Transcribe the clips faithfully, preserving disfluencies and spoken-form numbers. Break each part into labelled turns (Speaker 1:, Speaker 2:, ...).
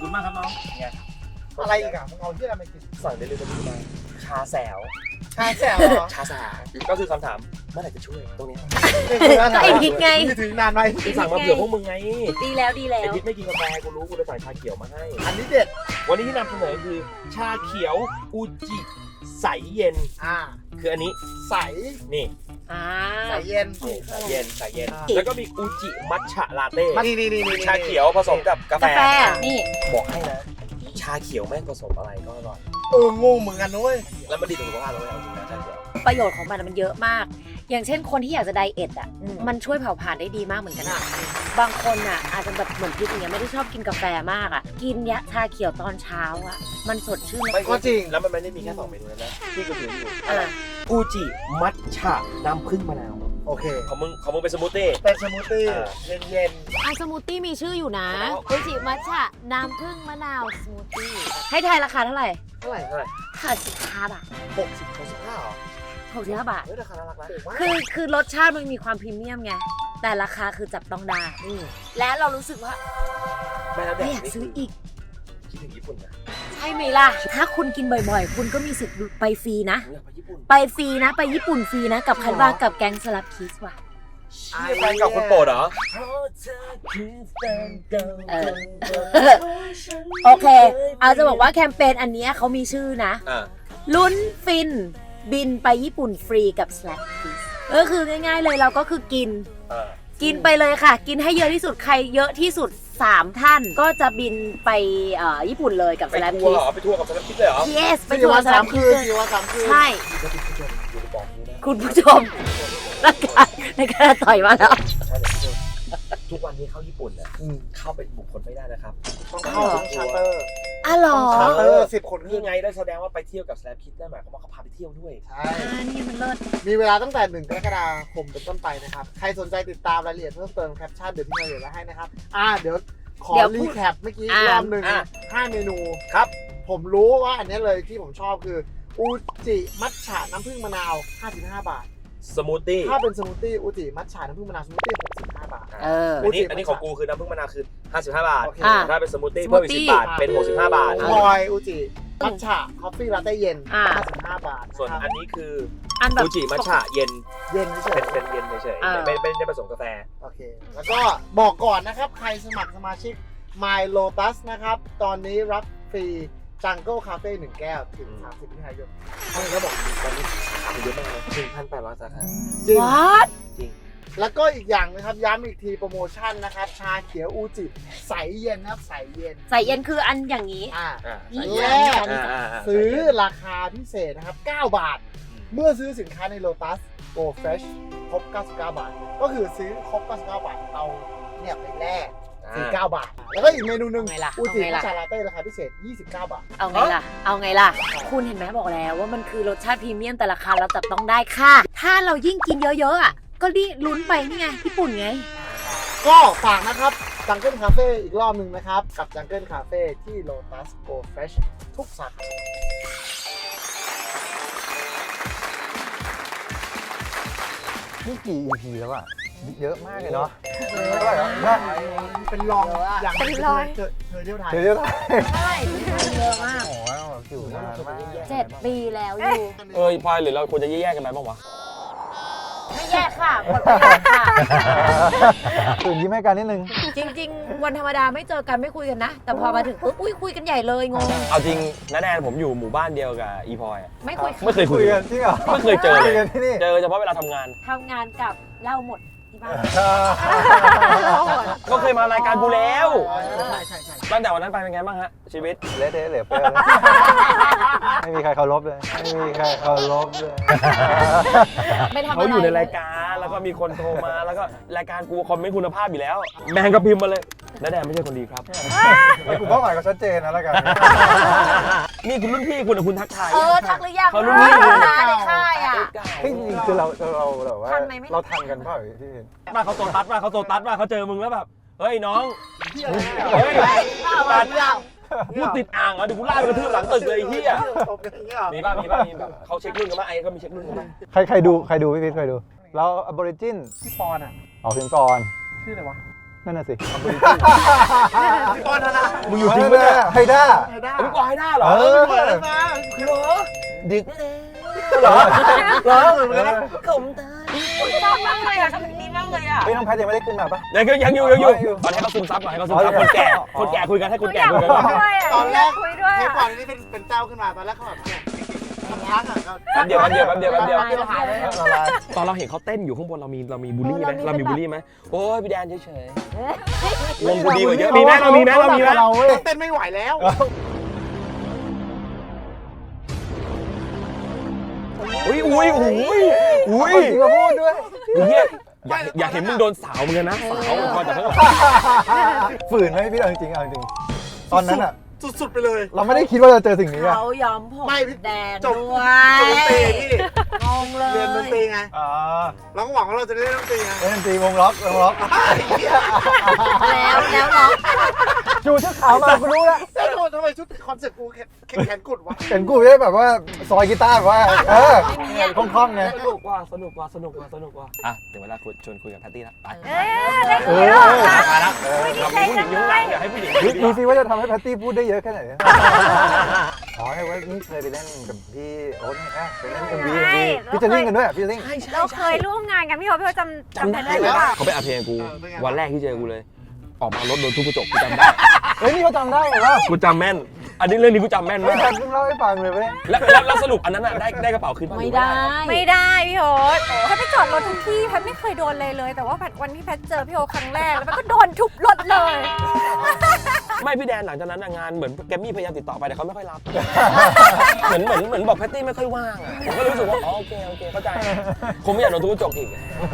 Speaker 1: คุณมากครับน้องไง
Speaker 2: อะไรอีกอ่ะมึงเอาที่อะไรมากิน
Speaker 1: สั่งเดลิเวอรี่มาชาแสว
Speaker 2: ชาแสวเหรอ
Speaker 1: ชาแสวก็คือคำถามเมื่อไหร่จะช่วยตรงนี้
Speaker 3: ก็ไอพิษไง
Speaker 2: ถึงนานไหม
Speaker 1: กูสั่งมาเผื่อพวกมึงไง
Speaker 3: ดีแล้วดีแล้
Speaker 1: ไอ
Speaker 3: ว
Speaker 1: พิษไม่กินกาแฟกูรู้กูเลยสั่งชาเขียวมาให้
Speaker 2: อันนี้เด็ด
Speaker 1: วันนี้ที่นำเสนอคือชาเขียวอูจิใสเย็น
Speaker 2: อ่า
Speaker 1: คืออันนี้
Speaker 2: ใส
Speaker 1: นี่
Speaker 3: อ่า
Speaker 2: ใสเย็น
Speaker 1: ใสเย็นใสเย็นแล้วก็มีอูจิมัทฉะลาเต้
Speaker 2: นี่นี่นี่
Speaker 1: ชาเขียวผสมกับกาแฟ
Speaker 3: กาแฟนี่
Speaker 1: บอกให้นะชาเขียวแม่งผสมอะไรก็อร่อย
Speaker 2: เอองงเหมือนกันนุ้ย
Speaker 1: แล้วมันดีต่อสุขภาพเราเลยเอาจริงนะชาเขียว
Speaker 3: ประโยชน์ของมันมันเยอะมากอย่างเช่นคนที่อยากจะไดเอทอ่ะมันช่วยเผาผลาญได้ดีมากเหมือนกันบางคนอ่ะอาจจะแบบเหมือนพิษอย่างเงี้ยไม่ได้ชอบกินกาแฟมากอ่ะกินยะชาเขียวตอนเช้าอ่ะมันสดชื่น
Speaker 1: ก็จริงแล้วมันไม่ได้มีแค่สองเมนูนะที่กูถืออยู่อูจิมัทฉะน้ำผึ้งมะนาว
Speaker 2: โอเค
Speaker 1: ของมึงของมึงเป็นสมูทตี้
Speaker 2: เป็นสมูทตี้เย็นเย็น
Speaker 3: อ่ะสมูทตี้มีชื่ออยู่นะอูจิมัทฉะน้ำผึ้งมะนาวสมูทตี้ให้ทายราคาเท่าไหร่
Speaker 1: เท่าไหร่เท่าไหร่
Speaker 3: ห้าสิบห้าบาท
Speaker 1: หกสิบหกสิบห้าหรอ
Speaker 3: หกสิบห้าบาท
Speaker 1: เฮ้ยราคาน่ารักนะ
Speaker 3: คือคือรสชาติมันมีความพรีเมียมไงแต่ราคาคือจับต้องได้และเรารู้สึกว่าไม่อยากซื้ออีก
Speaker 1: คิดถึงญี่ปุ่นนะ
Speaker 3: ใช่ไหมล่ะถ้าคุณกินบ่อยๆคุณก็มีสิทธิ์ไปฟรีนะไปฟรีนะไปญี่ปุ่นฟรีนะกับคันว่ากับแก๊งสลับคิสว่ะ
Speaker 1: แฟนกับคนโปรดเหรอ
Speaker 3: โอเคเอาจะบอกว่าแคมเปญอันนี้เขามีชื่อนะลุ้นฟินบินไปญี่ปุ่นฟรีกับ Slack Kiss เออคือง่ายๆเลยเราก็คือกินกินไปเลยค่ะกินให้เยอะที่สุดใครเยอะที่สุดสามท่านก็จะบินไปญี่ปุ่นเลยกับ Slack Kiss
Speaker 1: ไปทัวร์กับ Slack Kiss เลยเหรอ
Speaker 3: Yes ไปทัวร์ Slack Kiss ใช่คุณผู้ชมนักการในการต่อยมาแล้ว
Speaker 1: ทุกวันนี้เข้าญี่ปุ่นเนี่ยเข้าเป็นบุคคลไม่ได้นะครับ
Speaker 2: ต้องเข้าชาร์เตอร์
Speaker 3: อ๋อเหรอ
Speaker 2: ชาร์เตอร์สิบคน
Speaker 1: นี่ไงได้แสดงว่าไปเที่ยวกับ Slack Kiss ได้หมายความว่าเขาพาไปเที่ยวด้วย
Speaker 2: ใช่
Speaker 3: นี่มันเลิศ
Speaker 2: มีเวลาตั้งแต่หนึ่งกรกฎาคมเป็นต้นไปนะครับใครสนใจติดตามรายละเอียดเพิ่มเติมแคปชั่นเดี๋ยวพี่มาเดี๋ยวไว้ให้นะครับอ่าเดี๋ยวขอรีแคปเมื่อกี้รอบหนึ่งห้าเมนู
Speaker 1: ครับ
Speaker 2: ผมรู้ว่าอันนี้เลยที่ผมชอบคืออูจิมัทฉะน้ำผึ้งมะนาวห้าสิบห้าบาท
Speaker 1: สมูทตี้
Speaker 2: ถ้าเป็นสมูทตี้อูจิมัทฉะน้ำผึ้งมะนาวสมูทตี้หกสิบห้าบาท
Speaker 3: เออ
Speaker 1: อันนี้อันนี้ของกูคือน้ำผึ้งมะนาวคือห้าสิบห้าบาทถ้าเป็นสมูทตี้เพิ่มอีกสิบบาทเป็นหกสิบห้าบาท
Speaker 2: คอยอูจิมัทฉะคอฟฟี่ลาเต้เย็นห้าสิบห้าบาท
Speaker 1: ส่วนอันนี้คืออูจิมัทฉะเย็น
Speaker 2: เย็นเฉย
Speaker 1: เป็นเป็นเย็นเฉยๆไม่ไม่ได้ผสมกาแฟ
Speaker 2: โอเคแล้วก็บอกก่อนนะครับใครสมัครสมาชิก My Lotus นะครับตอนนี้รับฟรีจังเกิลคาเฟ่หนึ่งแก้วถึงสามสิบมิถุนายน
Speaker 1: เขาเลยก็บอกตอนนี้สาขาเยอะมากเลยหนึ่งพันแปดร้อยสาขา
Speaker 2: จริง
Speaker 1: จริง
Speaker 2: แล้วก็อีกอย่างนะครับย้ำอีกทีโปรโมชั่นนะครับชาเขียวอูจิใสเย็นนะครับใสเย็น
Speaker 3: ใสเย็นคืออันอย่างนี้
Speaker 2: อ่าแรกซื้อราคาพิเศษนะครับเก้าบาทเมื่อซื้อสินค้าใน Lotus Go Fresh ครบเก้าสิบเก้าบาทก็คือซื้อครบเก้าสิบเก้าบาทเอาเนี่ยไปแลกสี่สิบเก้าบาทแล้วก็อีกเมนูหนึ่งอูจิมัทฉะลาเต้ราคาพิเศษยี่สิบเก้าบาท
Speaker 3: เอาไงล่ะเอาไงล่ะคุณเห็นไหมบอกแล้วว่ามันคือรสชาติพรีเมียมแต่ราคาเราจับต้องได้ค่ะถ้าเรายิ่งกินเยอะๆอ่ะก็ดิลุ้นไปนี่ไงญี่ปุ่นไง
Speaker 2: ก็ฝากนะครับจังเกิลคาเฟ่อีกรอบหนึ่งนะครับกับจังเกิลคาเฟ่ที่ Lotus Go Fresh ทุกสาขา
Speaker 4: นี่กี่ อี พี แล้วอะเยอะมากเลยเนาะ
Speaker 2: เท่าไหร่แล้วเป็นรองอย่างเป็นร้อยเธอเธอเที่ยวไทย
Speaker 4: เธอเที่ยวไทย
Speaker 3: ใช่เยอะมาก
Speaker 4: โอ้โหอยู่นานมาก
Speaker 3: เจ็ดปีแล้วอยู่
Speaker 1: เออพลอยหรือเราควรจะแยกกันไปบ้างวะ
Speaker 3: ไม่แยกค่ะหมดประโยชน์ค่ะ
Speaker 4: ตื่นยิ้มให้กันนิดนึง
Speaker 3: จริงๆวันธรรมดาไม่เจอกันไม่คุยกันนะแต่พอมาถึงปุ๊บอุ้ยคุยกันใหญ่เลยงง
Speaker 1: เอาจริงน้าแดนผมอยู่หมู่บ้านเดียวกับอีพลอย
Speaker 3: ไม่คุย
Speaker 1: ไม่เคยคุย
Speaker 4: กันจริงเหรอ
Speaker 1: ไม่เคยเจอเลยเจอเฉพาะเวลาทำงาน
Speaker 3: ทำงานกับเล่าหมดที่บ้าน
Speaker 1: ก็เคยมารายการกูแล้ว
Speaker 2: ใช่ใช่ใช่
Speaker 1: ตั้งแต่วันนั้นไปเป็นไงบ้างฮะชีวิต
Speaker 4: เละเทะเหลือเฟือไม่มีใครเคารพเลยไม่มีใครเคารพเลย
Speaker 1: เขาอยู่ในรายการแล้วก็มีคนโทรมาแล้วก็รายการกูคอมเมนต์คุณภาพอยู่แล้วแมงก็พิมพ์มาเลยน้าแดนไม่ใช่คนดีครับ
Speaker 4: คุณเป้าหมายก็ชัดเจนนะรายการ
Speaker 1: นี่คุณรุ่นพี่คุณคุณทักทาย
Speaker 3: เออทักหรือยัง
Speaker 1: เขารุ่นพี่
Speaker 3: นะในค่ายอ่ะ
Speaker 4: จริงๆคือเราเราแบบว่าเราทันกันเปล่าที่เห็น
Speaker 1: มาเขาโซตัสมาเขาโซตัสมาเขาเจอมึงแล้วแบบเฮ้ยน้องเฮ้ยตัดพูดติดอ่างอ่ะเดี๋ยวกูไล่ไปกระทืบหลังตึกเลยไอ้เหี้ยมีป่ะมีป่ะมีแบบเขาเช็ครุ่นกันป่ะไอ้ก็มีเช็ครุ่นกันป่ะ
Speaker 4: ใครใครดูใครดูพี่พิษใครดูแล้ว Aborigin
Speaker 2: พี่ปอนอ่ะ
Speaker 4: ออกถึงก่อน
Speaker 2: ชื่ออะไรวะ
Speaker 4: นั่นน่ะสิ
Speaker 2: พี่ก้อนนะ
Speaker 1: มึงอยู่จริงปะเนี่ย
Speaker 4: ไฮด้า
Speaker 2: ไฮด้า
Speaker 1: เอาพี่กวางให้ได้เหรอ
Speaker 4: เออ
Speaker 2: เปิดแล้วนะคือเหรอ
Speaker 1: ดึกเหรอเหรอ
Speaker 2: เหมือนกันนะ
Speaker 1: ขมตา
Speaker 3: ชอบมากเลยอ่ะชอบนี้มากเลยอ่ะ
Speaker 4: เฮ้ยน้องแพทยังไม่ได้ขึ้นมาปะ
Speaker 1: ยังอยู่ยังอยู่ยังอยู่
Speaker 4: ยังอยู่
Speaker 1: ตอนนี้เขาซึมซับหน่อยให้เขาซึมซับ
Speaker 4: อ๋อ
Speaker 1: คนแก่
Speaker 4: อ๋อ
Speaker 1: คนแก่คุยกันให้คนแก่คุยกัน
Speaker 2: ตอนแรก
Speaker 3: คุยด้วย
Speaker 2: เทป
Speaker 3: อ่ะ
Speaker 2: ก่อนนี่เป็นเป็นเจ้าขึ้นมาตอนแรกเขาแบบเนี่ยพักอ่ะก็
Speaker 1: แป๊บเดียวแป๊บเดียวแป๊บเดียวแป๊บเดียว
Speaker 3: ละลายเลย
Speaker 4: ละลาย
Speaker 1: ตอนเราเห็นเขาเต้นอยู่ข้างบนเรามีเรามีบูลลี่ไหม
Speaker 3: เออ
Speaker 1: เรา
Speaker 3: เรามี
Speaker 1: มี
Speaker 3: เป็นแบบ
Speaker 1: บูลลี่ไหมโอ้ยพี่แดนเฉยๆวงกูดีกว่าเยอะมีไหมเรามีไหมเรามีไหม
Speaker 4: เราเว้ย
Speaker 2: เต้นไม่ไหวแล้ว
Speaker 1: อุ้ยอุ้ยอุ้ยอุ้ย
Speaker 4: จริงมาพูดด้วย
Speaker 1: เฮียอยากอยากเห็นมึงโดนสาวเหมือนกันนะสาวพอจากข้างหลัง
Speaker 4: ฝืนไหมพี่เอาจริงๆเอาจริงตอนนั้นอะ
Speaker 2: สุดๆไปเลย
Speaker 4: เราไม่ได้คิดว่าจะเจอสิ่งนี้อะ
Speaker 3: เขายอมผม
Speaker 2: ไม่พี่
Speaker 3: แดง
Speaker 2: จบ
Speaker 3: ด้วย
Speaker 2: จบดนตรีพี่
Speaker 3: งงเลย
Speaker 2: เรียนดนตรีไง
Speaker 4: อ่า
Speaker 2: เราก็หวังว่าเราจะได้เล่นดนตรีไง
Speaker 4: เล่นดนตรีวงล็อกวงล็อก
Speaker 3: แล้วแล้วเนาะ
Speaker 4: จูชุดขาวมากูรู้แล้ว
Speaker 2: แล้วทำไมชุดคอนเซ็ปต์กูแขนแขนกุดวะ
Speaker 4: เห็นกูได้แบบว่าซอยกีตาร์แบบว่าเออคล่องๆไง
Speaker 1: สนุกว่ะสนุกว่ะสนุกว่ะสนุกว่ะอ่ะถึงเวลาคุยชวนคุยกับแพตตี้แล้วไป
Speaker 3: เอ้ยได้
Speaker 4: เอ
Speaker 3: คุย
Speaker 4: อ
Speaker 3: แล้ว
Speaker 1: มาแล้วเรามีผู้หญิงยุ่งหลังอยากให้ผู้หญิง
Speaker 4: ดูสิว่าจะทำให้แพตตี้พูดได้เยอะแค่ไหนอ๋อไอ้ว่านี่เคยไปเล่นกับพี่โอ๊ตนี่นะไปเล่นเอ็มวีพี่จะเล่นกันด้วยพี่เล่น
Speaker 5: เราเคยร่วมงานกันพี่โอ๊ตพี่โอ๊ตจำ
Speaker 1: จำได้
Speaker 5: ได้หรือเปล่า
Speaker 1: เขาไปอัดเพลงกูวันแรกที่เจอกูเลย ออกมารถโดนทุบกระจกกูจำได้
Speaker 4: เฮ้ยนี่เขาจำได้เหรอวะ
Speaker 1: กูจำแม่น อันนี้เรื่องนี้กูจำแม่น
Speaker 4: ไม่
Speaker 1: มาก
Speaker 4: ทันเพิ่งเล่าให้ฟังเลยเว้ย
Speaker 1: แล้วแล้วแล้วสรุปอันนั้นอ่ะได้ได้กระเป๋าคืนป่ะ
Speaker 3: ไม่ได้
Speaker 5: ไม่ได้พี่โอ๊ตแพทย์ไปจอดรถทุกที่แพทย์ไม่เคยโดนเลยเลย แต่ว่าแพทย์วันที่แพทย์เจอพี่โอ๊ตครั้งแรกแล้วแพทย์ก็โดนทุบรถเลย
Speaker 1: ไม่พี่แดนหลังจากนั้นอะงานเหมือนแกมมี่พยายามติดต่อไปแต่เขาไม่ค่อยรับ เหมือนเหมือนเหมือนบอกแพตตี้ไม่ค่อยว่างอะผมก็เลยรู้สึกว่าอ๋อโอเคโอเคเข้าใจคงไม่อยากโดนทุบกระจกอีก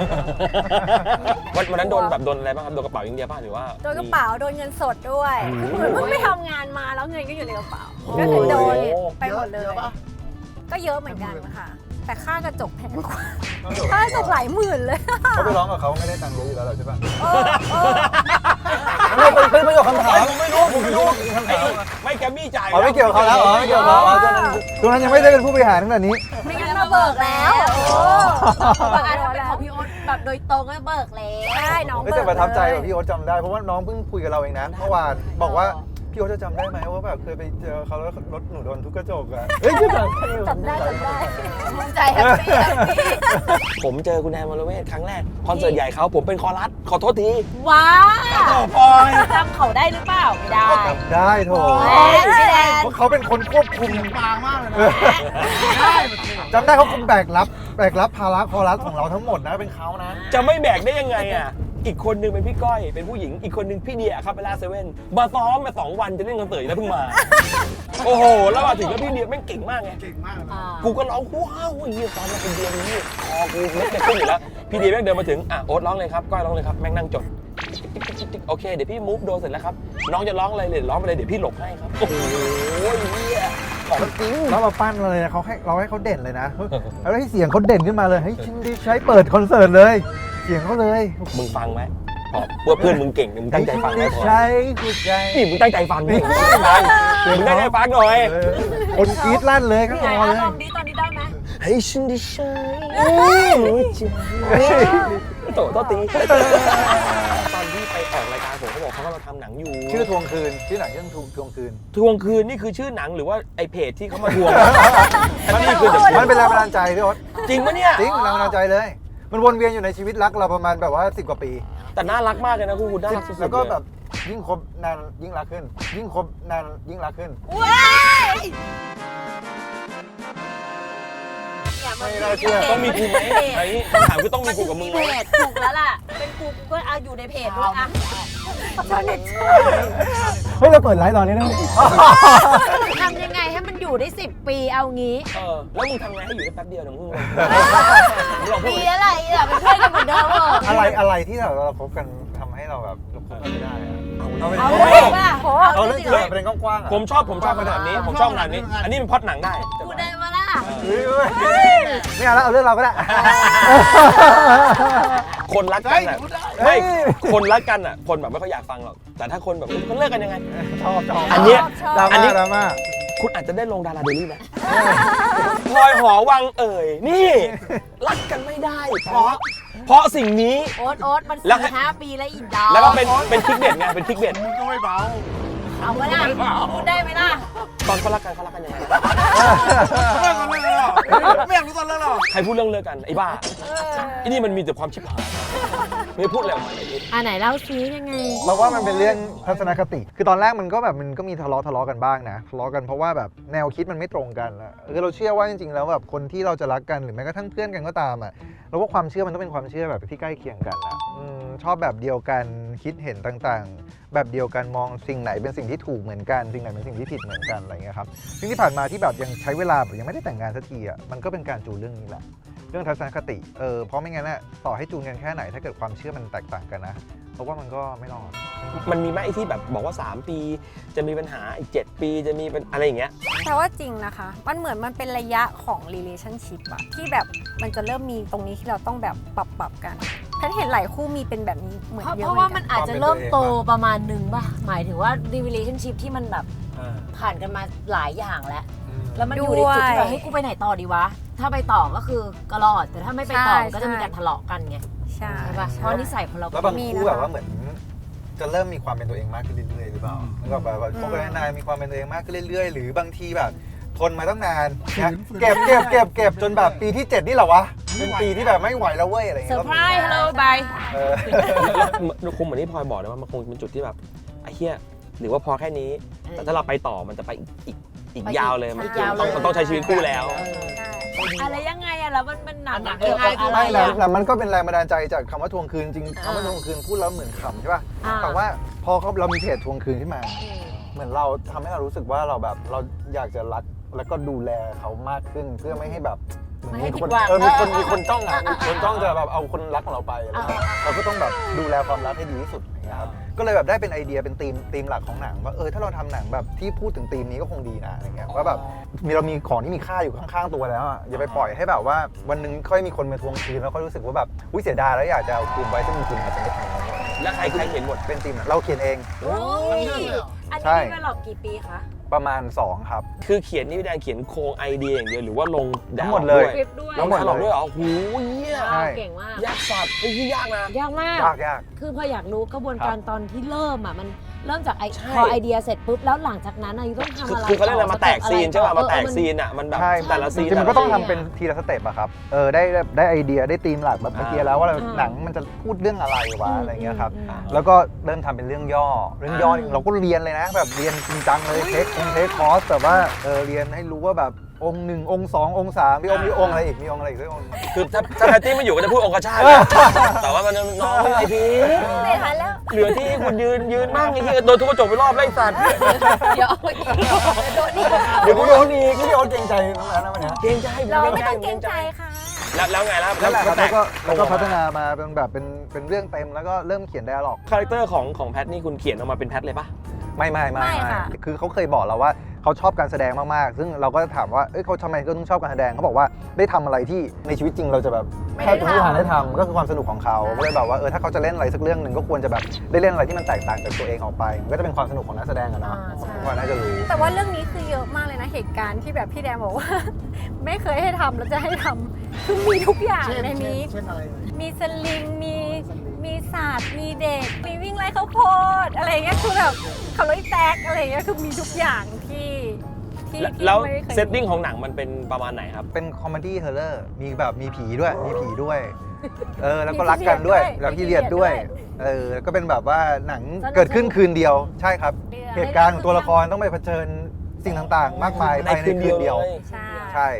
Speaker 1: วันวันนั้นโดนแบบโดนอะไรบ้างครับโดนกระเป๋าอย่างเดียวป่ะหรือว่า
Speaker 5: โดนกระเป๋าโดนเงินสดด้วย
Speaker 1: อืม
Speaker 5: คือเหมือนเพิ่งไปทำงานมาแล้วเงินก็อยู่ในกระเป๋าก็คือโดนไปหมดเลย
Speaker 2: อะปะ
Speaker 5: ก็เยอะเหมือนกันค่ะแต่ค่ากระจกแพงกว่าค่ากระจกหลายหมื่นเลย
Speaker 4: เขาไปร้องกับเขาไม่ได้ตังค์เยอะอยู่แล้วหรอใช่ป่ะ
Speaker 5: เออเออ
Speaker 4: ไม่เป็นประโยคคำถาม
Speaker 1: ผมไม่รู้ผมไม่รู้ไอ้นี่ไม่แกมมี่จ่าย
Speaker 4: อ๋อไม่เกี่ยวกับเขาแล้วอ๋อไม่เกี่ยวกับเขาอ๋อตอนนั้นตรงนั้นยังไม่ได้เป็นผู้บริหารขนาดนี้
Speaker 5: ไม่งั้นมาเบิกแล้วโอ้
Speaker 3: บางอันถ้าเป็นของพี่โอ๊ตแบบโดยตรงก็เบิกแล้ว
Speaker 5: ได้น้อง
Speaker 4: ไม่
Speaker 5: เบิ
Speaker 4: แต่
Speaker 5: ก
Speaker 4: ประทับใจ
Speaker 5: เล
Speaker 4: กับ
Speaker 5: ย
Speaker 4: พี่โอ๊ตจำได้เพราะว่าน้องเพิ่งคุยกับเราเองนะเมื่อวานบอกว่าพี่โอ๊ตจะจำได้ไหมว่าแบบเคยไปเจอเขาแล้วรถหนูโดนทุกกระจกอะเฮ้ยพี่จำ
Speaker 5: จำได้จำได้
Speaker 3: ภูมิใจแฮปปี้แฮปปี้
Speaker 1: ผมเจอคุณแดนวรเวทครั้งแรกคอนเสิร์ตใหญ่เขาผมเป็นคอรัสขอโทษที
Speaker 3: ว้า
Speaker 1: ต่อปอย
Speaker 3: จำเขาได้หรือเปล่าไม่ได้
Speaker 4: จำได้โถ
Speaker 3: แหมพี่แดน
Speaker 4: เพราะเขาเป็นคนควบคุม
Speaker 2: ปางมากเลยนะ
Speaker 4: จำได้เขาคุมแบกรับแบกรับภาระคอรัสของเราทั้งหมดนะเป็นเขานะ
Speaker 1: จะไม่แบกได้ยังไงอ่ะอีกคนนึงเป็นพี่ก้อยเป็นผู้หญิงอีกคนนึงพี่เดียครับเวลาเซเว่นมาซ้อมมาสองวันจะเล่นคอนเสิร์ตแล้วเพิ่งมา โอ้โหแล้วมาถึงแล้วพี่เดียแม่งเก่งมากไง
Speaker 2: เก่งมากเลยนะ
Speaker 3: อ่า
Speaker 1: กูก็ร้องว้าวเฮียตอนมาเป็นเดียนี่คอกูเล็กจะขึ้นอยู่แล้วพี่เดียแม่งเดินมาถึงอ่ะโอ๊ตร้องเลยครับก้อยร้องเลยครับแม่งนั่งจดโอเคเดี๋ยวพี่มูฟโดนเสร็จแล้วครับน้องจะร้องอะไรเลยร้องไปเลยเดี๋ยวพี่หลบให้ครับโอ้โหเฮียของจริง
Speaker 4: แล้วเราปั้นเลยนะเขาให้เราให้เขาเด่นเลยนะแล้วให้เสียงเขาเด่นขึ้นมาเลยให้ชินดีใช้เปิดคอนเสิร์ตเลย เสียงเขาเลย
Speaker 1: มึงฟังไหมพอเพื่อเพื่อนมึงเก่งมึงตั้งใจฟังไหมพอ
Speaker 4: ใช้หัวใจ
Speaker 1: นี่มึงตั้งใจฟังดิมึงตั้งใจฟังมึงตั้งใจฟังหน่อย
Speaker 4: เออคนกรี๊ดลั่นเลยข้าง
Speaker 3: ไหน
Speaker 4: นอก
Speaker 3: อะ
Speaker 4: เลย
Speaker 3: ลองดีตอนนี้ได้ไหม
Speaker 1: ให้ฉันได้ใช้หัวใจโตโตตีตอนที่ไปออกรายการผมเขาบอกเขากำลังทำหนังอยู่
Speaker 4: ชื่อทวงคืนชื่อหนังเรื่องทวงทวงคืน
Speaker 1: ทวงคืนนี่คือชื่อหนังหรือว่าไอเพจที่เขามาทวงมันนี่คือเด
Speaker 4: มันเป็นแรงบันดาลใจพี่โอ๊ต
Speaker 1: จริงปะเนี่ย
Speaker 4: จริงแรงบันดาลใจเลย มันวนเวียนอยู่ในชีวิตรักเราประมาณแบบว่าสิบกว่าปี
Speaker 1: แต่น่ารักมากเลยนะคุณคุณน่ารักสุดๆ
Speaker 4: แล้วก็
Speaker 1: เลย
Speaker 4: แบบยิ่งคบนานยิ่งรักขึ้น ยิ่งคบนานยิ่งรักขึ้น
Speaker 3: ว้ายอย่ามา
Speaker 4: ไม่น่าเชื่อ
Speaker 1: ต้องมีกูไหมไอ้นี่คำถามคือต้องมีกูกับมึงไหม
Speaker 3: เพจถูกแล้วล่ะ เป็นกูกูก็เอาอยู่ในเพจด้วยอะ
Speaker 4: เฮ้ยเราเปิดไลฟ์ตอนนี้ได้ไหม
Speaker 3: ทำยังไงให้มันอยู่ได้สิบปีเอางี้
Speaker 1: เออแล้วมึงทำไงให้อยู่ได้แป๊บเดียวนะมึงมึงลองพูด
Speaker 3: ปีอะไรอ่ะเป็นเพื่อนกันเหมือนเดิมเหรอ
Speaker 4: อะไรอะไรที่เราเราคบกันทำให้เราแบบเราคบกันไม่ได้อะเอาไป
Speaker 3: เอา
Speaker 4: เอา
Speaker 3: เลยป่ะ
Speaker 4: เอาเรื่องจริงแบบเป็นกว้างๆอะ
Speaker 1: ผมชอบผมชอบขนาดนี้ผมชอบขนาดนี้ อันนี้เป็นพล็อดหนังได้
Speaker 3: พูดได้มาล่ะ
Speaker 4: เฮ้ยเฮ้ยไม่เอาแล้วเอาเรื่องเราก็ได้
Speaker 1: คนรักกันอ่ะไม่คนรักกันอ่ะคนแบบไม่ค่อยอยากฟังหรอกแต่ถ้าคนแบบเขาเลิกกันยังไง
Speaker 4: ชอบชอบ
Speaker 1: อันเนี้ย
Speaker 4: ดรา
Speaker 1: อัน
Speaker 4: ม่า
Speaker 1: นี้
Speaker 4: ดราม่า
Speaker 1: คุณอาจจะได้ลงดาราเดลี่นะพลอยหอวังเอ่ยนี่ รักกันไม่ได้ เพราะเพราะสิ่งนี้
Speaker 3: โอ๊ตโอ๊ตมัน
Speaker 1: แล้ว
Speaker 3: สี่ห้าปีแล้วอินดอร์
Speaker 1: แล้วก็เป็นเป็นคลิกเด็ดไงเป็นคลิกเด็ด
Speaker 2: มึงก็ไม่เบา
Speaker 3: เอาไว้ล่ะพูดได้ไหมล่ะ
Speaker 1: ตอนเขารักกันเขารักกันยังไง
Speaker 2: เลิกกันเลยเหรอไม่อยากรู้ตอนเลิกหรอ
Speaker 1: ใครพูดเรื่องเลิกกันไอ้บ้าไอ้นี่มันมีแต่ความชิบหายไม่พูดอะไรออกมาเลย
Speaker 3: อ่าไหนเล่าซียังไง
Speaker 4: เราว่ามันเป็นเรื่องทัศนคติ คือตอนแรกมันก็แบบมันก็มีทะเลาะทะเลาะกันบ้างนะทะเลาะกันเพราะว่าแบบแนวคิดมันไม่ตรงกันอะคือเราเชื่อว่าจริงๆแล้วแบบคนที่เราจะรักกันหรือแม้กระทั่งเพื่อนกันก็ตามอะเราว่าความเชื่อมันต้องเป็นความเชื่อแบบที่ใกล้เคียงกันอะอืมชอบแบบเดียวกันคิดเห็นต่างๆ แบบเดียวกันมองสิ่งไหนเป็นสิ่งที่ถูกเหมือนกันสิ่งไหนเป็นสิ่งที่ผิดเหมือนกันอะไรเงี้ยครับซึ่งที่ผ่านมาที่แบบยังใช้เวลาแบบยังไม่ได้แต่งงานสักทีอะมันก็เป็นการจูนเรื่องนี้แหละเรื่องทัศนคติเออเพราะไม่งั้นน่ะต่อให้จูนกันแค่ไหนถ้าเกิดความเชื่อมันแตกต่างกันนะเพราะว่ามันก็ไม่รอด
Speaker 1: มันมีไหมไอ้ที่แบบบอกว่าสามปีจะมีปัญหาอีกเจ็ดปีจะมีเป็นอะไรอย่างเงี้ย
Speaker 5: แต่ว่าจริงนะคะ มันเหมือนมันเป็นระยะของ relationship อะที่แบบมันจะเริ่มมีตรงนี้ที่เราต้องแบบปรับปรับกันฉันเห็นหลายคู่มีเป็นแบบนี้เหมือน
Speaker 3: เพราะ
Speaker 5: เยอะ
Speaker 3: เพราะ
Speaker 5: เหมื
Speaker 3: ว่า
Speaker 5: อน
Speaker 3: มั
Speaker 5: กัน น
Speaker 3: อาจจะเริ่มโตประมาณหนึ่งป่ะ หมายถึงว่า relationship ที่มันแบบผ่านกันมาหลายอย่างแล้ว แล้วมันอยู่ในจุดที่แบบเฮ้ยกูไปไหนต่อดีวะ ถ้าไปต่อก็คือก็รอด แต่ถ้าไม่ไปต่อมันก็จะมีการทะเลาะกันไง
Speaker 5: ใช่
Speaker 3: ใช่ป่ะ เพราะนิสัยของเรา
Speaker 4: แล้ว
Speaker 3: ก็
Speaker 4: บาง
Speaker 3: มี
Speaker 4: คู่แบบว่าเหมือนจะเริ่มมีความเป็นตัวเองมากขึ้นเรื่อยๆหรือเปล่าแล้วก็แบบว่าคบกันนานๆมีความเป็นตัวเองมากขึ้นเรื่อยๆ หรือบางทีแบบทนมาตั้งนานนะเก็บเก็บเก็บเก็บจนแบบปีที่เจ็ดนี่เหรอวะเป็นปีที่แบบไม่ไหวแล้วเว้ยอะไรอย่าง
Speaker 3: เซอ
Speaker 4: เงี้ย
Speaker 3: ร์ไพรส์ฮัลโหลบาย
Speaker 4: เออ
Speaker 1: แล้วคงเหมือนที่พลอยบอกนะว่ามันคงเป็นจุดที่แบบไอ้เหี้ยหรือว่าพอแค่นี้ แต่ถ้าเราไปต่อมันจะไปอีกอีกอีกยาวเลยมันต้องมันต้องใช้ชีวิตคู่แล้ว
Speaker 3: อะไรยังไงอะแล้วมันมันหนักหนัก
Speaker 2: เออ
Speaker 3: ยังไงอะไร
Speaker 4: ไม่แล้ว
Speaker 3: อะ
Speaker 4: แล้วมันก็เป็นแรงบันดาลใจจากคำว่าทวงคืนจริงคำว่าทวงคืนพูดแล้วเหมือนขำใช่ป่ะ
Speaker 3: อ่า
Speaker 4: แต่ว่าพอเขาเรามีเพจทวงคืนขึ้นมา เหมือนเราทำให้เรารู้สึกว่าเราแบบเราอยากจะรักแล้วก็ดูแลเขามากขึ้นเพื่อไม่ให้แบบเหมือนมีคนเออมีคนมีคนจ้องอ่ะมีคนจ้องจะแบบเอาคนรักของเราไปอะไรเงี้ยเราก็ต้องแบบดูแลความรักให้ดีที่สุดอย่างเงี้ยครับก็เลยแบบได้เป็นไอเดียเป็นธีมธีมหลักของหนังว่าเออถ้าเราทำหนังแบบที่พูดถึงธีมนี้ก็คงดีนะอะไรเงี้ยว่าแบบมีเรามีของที่มีค่าอยู่ข้างๆตัวแล้วอ่ะอย่าไปปล่อยให้แบบว่าวันหนึงค่อยมีคนมาทวงคืนแล้วค่อยรู้สึกว่าแบบอุ้ยเสียดายแล้วอยากจะเอาคืนไว้ซึ่งจริงๆอาจจะไม่ทำ
Speaker 1: แล้วใครใครเขียนบท
Speaker 4: เป็นธีมเราเขียนเอง
Speaker 3: โอ้ยอัน
Speaker 4: ใช่
Speaker 3: นี้เป็นหลอกกี่ปีคะ
Speaker 4: ประมาณสองครับ
Speaker 1: คือเขียนนี่พี่แดนเขียนโครงไอเดียอย่างเดียวหรือว่าลง
Speaker 4: ทั้งหมดเลย
Speaker 3: คลิปด้วย
Speaker 1: ลงหมดด้วยเหรอโอ้โหเหี้ย
Speaker 4: ใช่
Speaker 3: เก่งมาก
Speaker 1: ยากสัตว์ไอ้ที่ยากนะ
Speaker 3: ยากมาก
Speaker 4: ยากยาก
Speaker 3: คือพออยากรู้กระบวนการตอนที่เริ่มอ่ะมันเริ่มจากไอ
Speaker 1: ใช่
Speaker 3: พอไอเดียเสร็จปุ๊บแล้วหลังจากนั้นอะต้องทำ
Speaker 1: คือ
Speaker 3: อะไร
Speaker 1: คือเขาเรียกอะไรมาแตกซีนใช่ป่ะมาแตก
Speaker 3: เออ
Speaker 1: ซีนอ่ะมันแบบ
Speaker 4: ใช่
Speaker 1: แต่ละซีน
Speaker 4: จริงๆมันก็ต้อง
Speaker 1: แต่ละ
Speaker 4: ทำเป็นทีละสเต็ปอะครับ เออได้ได้ได้ไอเดียได้ธีมหลักแบบเมื่อกี้แล้วว่าเรา
Speaker 3: อ่า
Speaker 4: หนังมันจะพูดเรื่องอะไรวะ
Speaker 3: อืม
Speaker 4: อะไรเงี้ยครับ
Speaker 3: อืมอืม
Speaker 4: แล้วก็เริ่มทำเป็นเรื่องย่อ เรื่องย่อนี่เราก็เรียนเลยนะ แบบเรียนจริงจังเลยเทคคงเทคคอร์สแบบว่าเออเรียนให้รู้ว่าแบบองค์หนึ่งองค์สององค์สามมีองค์มีองค์อะไรอีกมีองค์อะไรอีกด้วยองค์
Speaker 1: คือถ้าถ้าแพตตี้ไม่อยู่ก็จะพูดองคชาตินะแต่ว่ามันน้องไอพี
Speaker 5: ไม่ทันแล้ว
Speaker 1: เหลือที่คุณยืนยืนนั่งไอ้ที่โดนทุบกระจกไปรอบไล่สัตว์
Speaker 3: เดี๋ยวเอาอีกโดนอีก
Speaker 4: เดี๋ยวกูโดนอีกพี่โอ๊ตเกรงใจน้องแอนนะวันเนี้ย
Speaker 1: เกรงใจ
Speaker 5: เราไม่ต้องเกรงใจค่ะ
Speaker 1: แล้วแล้วไงแล้ว
Speaker 4: นั่นแหละครับ
Speaker 1: แต
Speaker 4: แล้ว
Speaker 1: ก
Speaker 4: ก็แล้วก็พัฒนามาเป็นแบบเป็นเป็นเรื่องเต็มแล้วก็เริ่มเขียนไดอะล็อก
Speaker 1: คาแรคเตอร์ของของแพทนี่คุณเขียนออกมาเป็นแพทเลยปะ
Speaker 4: ไม่ไม่ไม่
Speaker 5: ไม่ค่ะ
Speaker 4: คือเขาเคยบอกเราว่าเขาชอบการแสดงมากๆ ซึ่งเราก็ถามว่าเอ้ยเขาทำไมเขาต้องชอบการแสดงเขาบอกว่าได้ทำอะไรที่ในชีวิตจริงเราจะแบบแค่จะไม่มีทางได้ทำก็คือความสนุกของเขาก็เลยแบบว่าเออถ้าเขาจะเล่นอะไรสักเรื่องหนึ่งก็ควรจะแบบได้เล่นอะไรที่มันแตกต่างจากตัวเองออกไปมันก็จะเป็นความสนุกของนักแสดงอะเนาะ
Speaker 3: อ่าใช่
Speaker 4: ทุกคนน่าจะรู้
Speaker 5: แต่ว่าเรื่องนี้คือเยอะมากเลยนะเหตุการณ์ที่แบบพี่แดงบอกว่า ไม่เคยให้ทำแล้วจะให้ทำคือมีทุกอย่าง
Speaker 2: เช่น
Speaker 5: ในนี้
Speaker 2: เช่นอะไรเลย
Speaker 5: มีสลิง มี มีศาสตร์ มีเด็ก มีวิ่งไล่ข้าวโพดอะไรอย่างเงี้ย คือแบบขับรถแตกอะไรอย่างเงี้ย คือมีทุกอย่างที่ที่ที่
Speaker 1: แล้ว
Speaker 5: ไม่เคย
Speaker 1: เซตติ้งของหนังมันเป็นประมาณไหนครับ
Speaker 4: เป็นคอมเมดี้เฮอร์เรอร์มีแบบมีผีด้วยมีผีด้วยเออแล้วก็รักกันด้วยแล้วพี่เรียดด้วยเออแล้วก็เป็นแบบว่าหนังเกิดขึ้นคืนเดียวใช่ครับ เหตุการณ์ของตัวละครต้องไปเผชิญสิ่งต่างๆ มากมายภายในคืนเดียว
Speaker 5: ใช่
Speaker 4: ใช่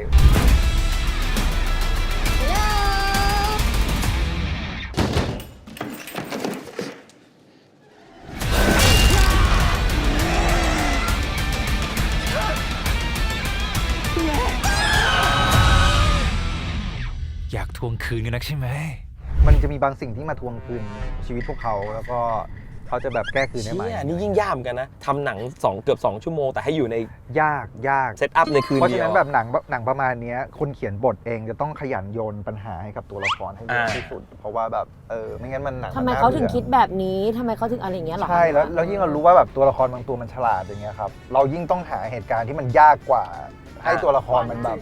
Speaker 6: อยากทวงคืนกันนักใช่ไหม
Speaker 4: มันจะมีบางสิ่งที่มาทวงคืนชีวิตพวกเขาแล้วก็เขาจะแบบแก้คืนได้ไหม
Speaker 1: เชี่ยนี่ยิ่งยากเหมือนกันนะทำหนังสองเกือบสองชั่วโมงแต่ให้อยู่ใน
Speaker 4: ยากยาก
Speaker 1: เซตอัพในคืน
Speaker 4: เพราะ
Speaker 1: เดี
Speaker 4: ฉะ
Speaker 1: ยว
Speaker 4: นั้นแบบหนังหนังประมาณเนี้ยคนเขียนบทเองจะต้องขยันโยนปัญหาให้กับตัวละครให้เยอะ
Speaker 1: อ่า
Speaker 4: ที่สุด เพราะว่าแบบเออไม่งั้นมันหนัง
Speaker 3: ทำไม
Speaker 4: นน่
Speaker 3: เขาถึง
Speaker 4: บื่อ
Speaker 3: คิดแบบนี้ทำไมเขาถึงอะไรอย่างเงี้ยหรอ
Speaker 4: ใช่แล้วแล้วยิ่งเรารู้ว่าแบบตัวละครบางตัวมันฉลาดอย่างเงี้ยครับเรายิ่งต้องหาเหตุการณ์ที่มันยากกว่า ให้ตัวละครมันแบบ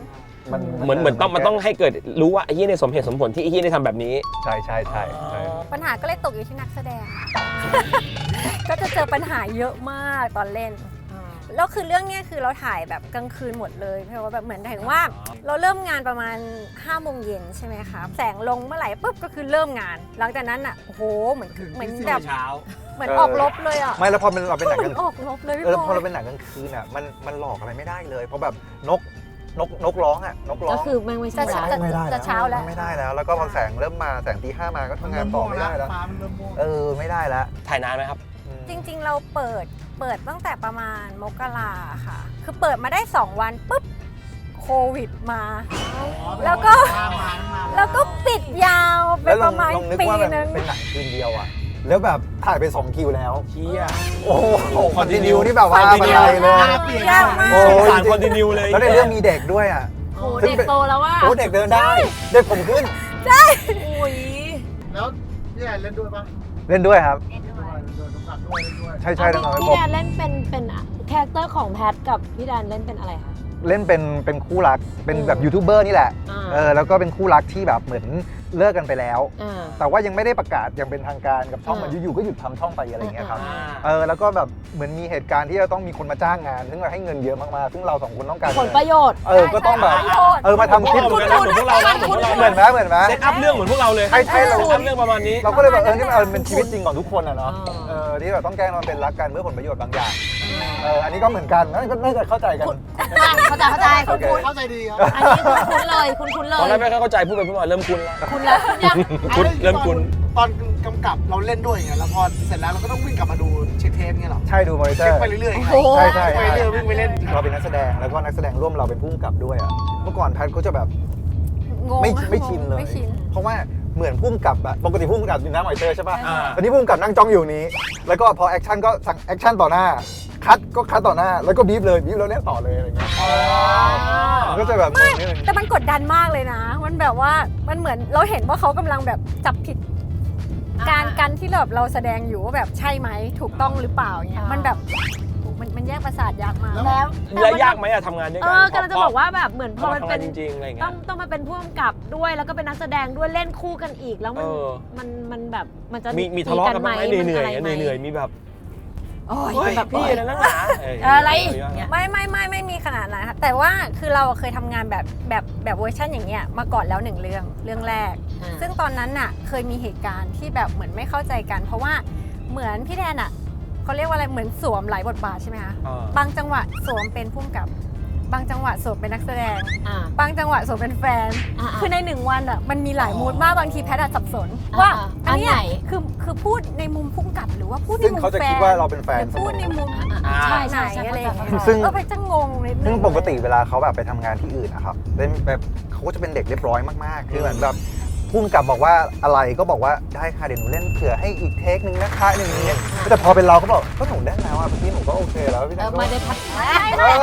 Speaker 4: มัน
Speaker 1: เหมือนเหมือนต้องมันต้องให้เกิดรู้ว่าไอ้เหี้ยเนี่ยสมเหตุสมผลที่ไอ้เหี้ยได้ทำแบบนี้
Speaker 4: ใช่ใช่ใช่ใช่
Speaker 5: ปัญหาก็เลยตกอยู่ที่นักแสดง ก็จะเจอปัญหาเยอะมากตอนเล่น แล้วคือเรื่องเนี้ยคือเราถ่ายแบบกลางคืนหมดเลยเพราะว่าแบบเหมือนถึงว่าเราเริ่มงานประมาณห้าโมงเย็นใช่ไหมคะแสงลงเมื่อไหร่ปุ๊บก็คือเริ่มงาน หลังจากนั้นอ่ะโอ้โหเหมือนเหมือนแบบ
Speaker 1: เช้า
Speaker 5: เหมือนออกรบเลยอ่ะ
Speaker 4: ไม่แล้วพอเป็นเราเป็นหนัง
Speaker 5: เหมื
Speaker 4: ก
Speaker 5: อ
Speaker 4: ลาน ง
Speaker 5: ออกรบเลยพี่
Speaker 4: เออ
Speaker 5: ป
Speaker 4: พอ
Speaker 5: อ
Speaker 4: เราเป็นหนังกลางคืนอ่ะมันมันหลอกอะไรไม่ได้เลยเพราะแบบนกนกนกร้องอ่ะนกร้อ
Speaker 3: ก็
Speaker 4: ง
Speaker 3: คือแม่งไม่ใช่
Speaker 5: จะ
Speaker 3: ร้าน
Speaker 4: ไม่ได้
Speaker 5: จะเช้าแล้ว
Speaker 4: ไม่ได้แล้ว แล้วก็พอแสงเริ่มมาแสงตีห้ามาก็ทำงานต่อไม่ได้แล้ว
Speaker 2: ฟ้ามันเริ่มม่วง
Speaker 4: เออไม่ได้แล้ว
Speaker 1: ถ่ายนานไหมครับ
Speaker 4: อืม
Speaker 5: จริงๆ เราเปิดเปิดตั้งแต่ประมาณมกราค่ะ คือเปิดมาได้สองวันปุ๊บโควิดมา แล้วก็ แล้วก็ปิดยาวไป
Speaker 4: แล้วล
Speaker 5: ป
Speaker 4: อง
Speaker 5: ระมาณ
Speaker 4: ลองนึก
Speaker 5: ปี
Speaker 4: ว่าแบบ
Speaker 5: นึง
Speaker 4: เป็นหนังคืนเดียวอ่ะแล้วแบบถ่ายไปสองคิวแล้ว
Speaker 1: เชี่ย
Speaker 4: โอ้โห
Speaker 1: คอนติ
Speaker 4: คอนติ
Speaker 1: เนี
Speaker 4: นิ
Speaker 1: ย
Speaker 4: วนี่แบบว่าบันไดเลย
Speaker 5: ยากมาก
Speaker 4: โอ้
Speaker 1: สง
Speaker 4: ย
Speaker 1: สารคอนติเนียเลย
Speaker 4: แล้วในเรื่องมีเด็กด้วยอ่ะ
Speaker 3: โอ้เด็กโตแล้วว่า
Speaker 4: โอ้เด็กเดินได้ เด็กผมขึ้น
Speaker 3: อุ้ย
Speaker 2: แล้วพี่แอนเล่นด้วยปะ
Speaker 4: เล่นด้วยครับ
Speaker 2: เล่นด้วยโดนกำกับด้วยเล่นด้วย
Speaker 4: ใช่ใช่ทั้งนั้น
Speaker 3: พี่
Speaker 4: ผม
Speaker 3: แดนเล่นเป็นเป็นคาแรคเตอร์ของแพทกับพี่แดนเล่นเป็นอะไรคะ
Speaker 4: เล่นเป็นเป็นคู่รักเป็นแบบ
Speaker 3: อืม
Speaker 4: ยูทูบเบอร์นี่แหละ
Speaker 3: อ่า
Speaker 4: เออแล้วก็เป็นคู่รักที่แบบเหมือนเลิกกันไปแล้ว
Speaker 3: อ่า
Speaker 4: แต่ว่ายังไม่ได้ประกาศยังเป็นทางการกับช่อง
Speaker 3: อ่า
Speaker 4: มันอยู่ๆก็หยุดทำช่องไปอะไรอย่างเงี้ยครับ
Speaker 3: อ่า
Speaker 4: เออแล้วก็แบบเหมือนมีเหตุการณ์ที่จะต้องมีคนมาจ้างงาน ซึ่งเราให้เงินเยอะมากๆซึ่งเราสองคนต้องการ
Speaker 3: ผลประโยชน์
Speaker 4: เออก็ต้องแบบเออมาทำคลิป
Speaker 1: เหมือนกันนะเหมือนพวกเรานะเหมือนพวกเรา
Speaker 4: เหมือนไหมเหมือนไหม
Speaker 1: เซตอัพเรื่องเหมือนพวกเราเลย
Speaker 4: ใช่ใช่เรา
Speaker 1: เซตอัพเรื่องประมาณนี้
Speaker 4: เราก็เลยแบบเออนี่มันเออเป็นชีวิตจริงของทุกคนอะเนาะ
Speaker 3: อ่า
Speaker 4: เออที่แบบต้องแกล้งมันเป็นรักกันเพื่อผลประโยชน์บางอย่างเอออันนี้ก็เหมือนกันนะก็น่าจะเข้าใจกัน
Speaker 3: เข้าใจเข้าใจ
Speaker 4: โอ
Speaker 3: คุณ
Speaker 4: เค
Speaker 3: คุณ
Speaker 2: เข้าใจดีครับ
Speaker 3: อันนี้คุณคุณเลยคุณคุณเล
Speaker 1: ตอนแรก
Speaker 3: ย
Speaker 1: ไม่ค่อยเข้าใจพูดไปพูดมาเริ่มคุ้นแล้ว
Speaker 3: คุณแล้วคุณยัง
Speaker 1: คุ้นเริ่มคุ้น
Speaker 2: ตอนกำกับเราเล่นด้วยไงแล้วพอเสร็จแล้วเราก็ต้องวิ่งกลับมาดูเช็คเทปเงี้ยหรอ
Speaker 4: ใช่ดูมอนิเตอ
Speaker 2: เช็ค
Speaker 4: ร์
Speaker 2: ไปเรื่อยๆไง
Speaker 3: โอ้โห
Speaker 4: ใช่ใช่
Speaker 2: ไปเรื่อยๆวิ่งไปเล่น
Speaker 4: เราเป็นนักแสดงแล้วก็นักแสดงร่วมเราเป็นผู้กำกับด้วยอ่ะเมื่อก่อนแพทก็จะแบบ
Speaker 5: งง
Speaker 4: ไม่
Speaker 5: อะ
Speaker 4: ไม่ชินเลย
Speaker 5: ไม่ชิน
Speaker 4: เพราะว่าเหมือนผู้กำกับอะปกติผู้กำกับอยู่หน้ามอนิเตอร์ใช่ป่ะ
Speaker 1: อ่า
Speaker 4: อันนี้ผู้กำกับนั่งจ้องอยู่นี้ แล้วก็พอแอคชั่นก็สั่งแอคชั่นต่อหน้าคัดก็คัดต่อหน้าแล้วก็บีบเลยบีบแล้วเล่นต่อเลยอะไรเงี้ยมันก็จะแบบงงนิดนึง
Speaker 5: แต่มันกดดันมากเลยนะ มันแบบว่ามันเหมือนเราเห็นว่าเขากำลังแบบจับผิด การการที่แบบเราแสดงอยู่ว่าแบบใช่ไหมถูกต้องหรือเปล่าเงี้ย
Speaker 3: อ่ามั
Speaker 5: มันแบบมันมันแยกประสาทยากมาก
Speaker 3: แล้ว
Speaker 1: แล้วยากไหมอะทำงานด้วย
Speaker 3: เอ
Speaker 1: กัน
Speaker 3: อกำลังจะบอกว่าแบบเหมือนพ
Speaker 1: พ
Speaker 3: อ
Speaker 1: อ
Speaker 3: มัน
Speaker 1: ทำ
Speaker 3: เป็
Speaker 1: งาน นจริงๆอะไร
Speaker 3: ต้
Speaker 1: เงี้
Speaker 3: อย งต้องมาเป็นผู้กำกับด้วยแล้วก็เป็นนักแสดงด้วยเล่นคู่กันอีกแล้วมัน
Speaker 1: เออ
Speaker 3: มันมันแบบมันจะ
Speaker 1: มีมีทะเลาะกันบ้างไหมเหนื่อยๆ
Speaker 3: มัะไร
Speaker 1: เหนื่อยๆมีแบบ
Speaker 3: โอ้ย
Speaker 1: เฮ้ย
Speaker 3: แบบ
Speaker 1: พี่นะนักหนา
Speaker 3: อะไร
Speaker 5: ไม่ไม่ไม่ไม่มีขนาดนั้นค่ะแต่ว่าคือเราเคยทำงานแบบแบบแบบเวอร์ชันอย่างเงี้ยมาก่อนแล้วหนึ่งเรื่องเรื่องแรก
Speaker 3: อ่า
Speaker 5: ซึ่งตอนนั้นน่ะเคยมีเหตุการณ์ที่แบบเหมือนไม่เข้าใจกัน เพราะว่าเหมือนพี่แดนอ่ะเขาเรียกว่าอะไรเหมือนสวมหลายบทบาทใช่ไหมคะ
Speaker 1: อ่า
Speaker 5: บางจังหวะสวมเป็นผู้กำกับบางจังหวะสวมเป็นนักแสดง
Speaker 3: อ่า
Speaker 5: บางจังหวะสวมเป็นแฟน
Speaker 3: อ่า
Speaker 5: คือในหนึ่งวันอ่ะมันมีหลายมูดมากบางทีแพทย์อะสับสน
Speaker 3: อ่า
Speaker 5: ว่า
Speaker 3: อ่า
Speaker 5: อันเนี้ย
Speaker 3: อันไหน
Speaker 5: คือคือพูดในมุมผู้กำกับหรือว่าพูดใน
Speaker 4: ซึ่ง
Speaker 5: มุม
Speaker 4: เขาจะ
Speaker 5: แฟ
Speaker 4: คิด
Speaker 5: น
Speaker 4: ว่าเราเป็นแฟ
Speaker 5: ห
Speaker 4: น
Speaker 5: รือ
Speaker 4: เส
Speaker 5: พู
Speaker 4: ม
Speaker 5: ดใน
Speaker 4: อ
Speaker 5: มุม
Speaker 3: ใช่
Speaker 5: ไหน
Speaker 3: ใช่ใช่
Speaker 5: อะไรอย่างเงี้ย
Speaker 4: ซึ่ง
Speaker 5: เออไปจะงงนิดนึง
Speaker 4: ซึ่งปกติเวลาเขาแบบไปทำงานที่อื่นนะครับเล่นแบบเขาก็จะเป็นเด็กเรียบร้อยมากๆ คือเหมือนแบบพุ่มกับบอกว่าอะไรก็บอกว่าได้ค่ะเดี๋ยวหนูเล่นเผื่อให้อีกเทคนึงนะคะหนึ่งนี้แต่พอเป็นเราก็บอกก็หนูได้แล้วอ่ะพี่หนูก็โอเคแล้วพี่
Speaker 3: เอ
Speaker 4: แด
Speaker 3: อน
Speaker 4: ก็
Speaker 3: ไม่ได้พัก
Speaker 4: เออ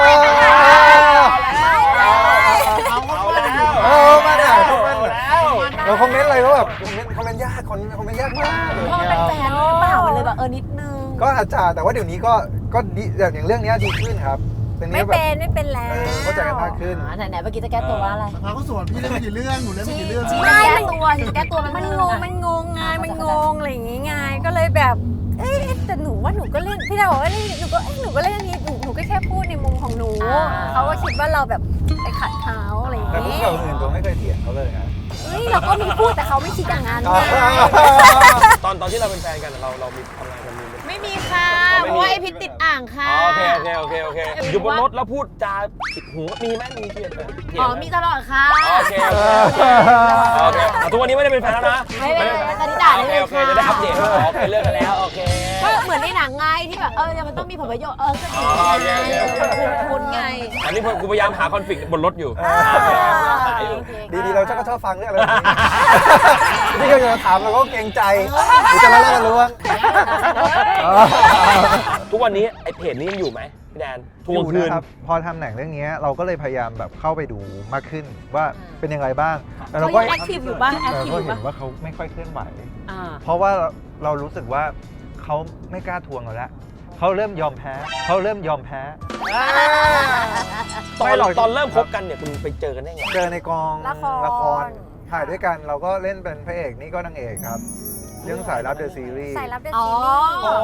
Speaker 2: เอาเอาแล้ว
Speaker 4: เออมาด่าคอมเมนต์เราคอมเมนต์อะไรก็แบบคอมเมนต์คอมเมนต์ยากคอมเมนต์คอมเมนต์ยากมาก
Speaker 3: เพราะมันเป็นแฟนหรือเปล่ามันเลยแบบเออนิดนึง
Speaker 4: ก็อาจจะแต่ว่าเดี๋ยวนี้ก็ก็ดีอย่างเรื่องนี้ดีขึ้นครับเป็น
Speaker 5: ไม่
Speaker 4: นี้แบบ
Speaker 5: เป็นไม่เป็นแล้
Speaker 4: เอ
Speaker 5: ว
Speaker 4: อเข้าใจกันมากขึ้น
Speaker 3: อ่าไหนไหนเมื่อกี้จะแก้ตัวว่าอะไร
Speaker 2: พาเขาสวนพี่เล่นไปกี่เรื่องหนูเล่นไปกี่เรื่อง
Speaker 3: ชี้
Speaker 5: ไม่
Speaker 3: จะแก้ตัวชี้จะแก้ตัว
Speaker 5: มัน
Speaker 3: เรื่อง
Speaker 5: งง
Speaker 3: อะ
Speaker 5: มันงงไง
Speaker 3: อ่ามั
Speaker 5: มัน
Speaker 3: เข้าง ใจ
Speaker 5: งอะไรอย่างงี้ไงก็เลยแบบเอ๊ะแต่หนูว่าหนูก็เล่นพี่ดาวบอกว่าเล่นหนูก็เอ๊ะหนูก็เล่นอันนี้หนูหนูก็แค่พูดในมุมของหนูเขาก็คิดว่าเราแบบไปขัดเขาอะไรอย่าง
Speaker 4: แต่พวก
Speaker 5: งี้
Speaker 4: เราอื่นตัวไม่เคยเถียงเขาเลยนะ
Speaker 5: เฮ้ยเราก็มีพูดแต่เขาไม่คิดอย่างนั้นไง
Speaker 1: ตอนตอนที่เราเป็นแฟนกันเราเรามีทำงานกันมี
Speaker 3: ไม่มีค่ะ
Speaker 1: อ๋อ
Speaker 3: เพ
Speaker 1: ไม่มี
Speaker 3: ราะว่าไอพิษติดอ่างค่ะ
Speaker 1: อ๋อโอเคโอเคโอเคโอเคอยู่บนรถแล้วพูดจาผิดหูมีไหมมีเถียงไหมเถียง
Speaker 3: อ๋อ
Speaker 1: ไหม
Speaker 3: มีตลอดค่ะ
Speaker 1: โอเคโอเคโอเคอ่ะทุกวันนี้ไม่ได้เป็นแฟนแล้วนะ
Speaker 3: ไม่เป็นไรตอนนี้ด่าได้เลย
Speaker 1: โอเค
Speaker 3: ค่ะ
Speaker 1: โอเคจะได้อัปเดตว่าอ๋อโอเคเลิกกันแล้วโอเค
Speaker 3: ก็เหมือนในหนังไงที่แบบเออมันต้องมีผลประโยชน์เออก็
Speaker 1: อ๋
Speaker 3: ถู
Speaker 1: อก โอเคโอเคโอเค
Speaker 3: คุณคุณไง
Speaker 1: อันนี้กูพยายามหาคอนฟ lict บนรถอยู่หาอยู่
Speaker 4: ดีๆเราจะก็ชอบฟังเรื่องอะไรแบบนี้นี่ก็จะถามเราก็เกรงใจหรือจะมาเล่ากันรู้ว่า
Speaker 1: ทุกวันนี้ไอเพจนี้ยังอยู่ไหมพี่แดนทวงคืน
Speaker 4: นะครับพอทำหนังเรื่องนี้เราก็เลยพยายามแบบเข้าไปดูมากขึ้นว่าเป็นยังไงบ้างแต่เรา
Speaker 3: เขา
Speaker 4: ก็
Speaker 3: ยังแอคทีฟอยู่ป่ะแอค
Speaker 4: เรา
Speaker 3: ทีฟ
Speaker 4: ก็
Speaker 3: อยู่
Speaker 4: เห็
Speaker 3: ป่ะ
Speaker 4: นว่าเขาไม่ค่อยเคลื่อนไหว
Speaker 3: อ่า
Speaker 4: เพราะว่าเรารู้สึกว่าเขาไม่กล้าทวงเราแล้วเขาเริ่มยอมแพ้เขาเริ่มยอมแพ้
Speaker 1: ตอ
Speaker 4: ไม่
Speaker 1: น
Speaker 4: หรอก
Speaker 1: ตอนเริ่มคบกันเนี่ยคุณไปเจอกันได้ไง
Speaker 4: เจอในกอง
Speaker 5: ละคร
Speaker 4: ละครถ่ายด้วยกันเราก็เล่นเป็นพระเอกนี่ก็นางเอกครับ เรื่องสายลับเดอะซีรีส์
Speaker 5: สายลับเดอะ
Speaker 3: อ๋
Speaker 5: ซี
Speaker 3: อ
Speaker 5: รีส์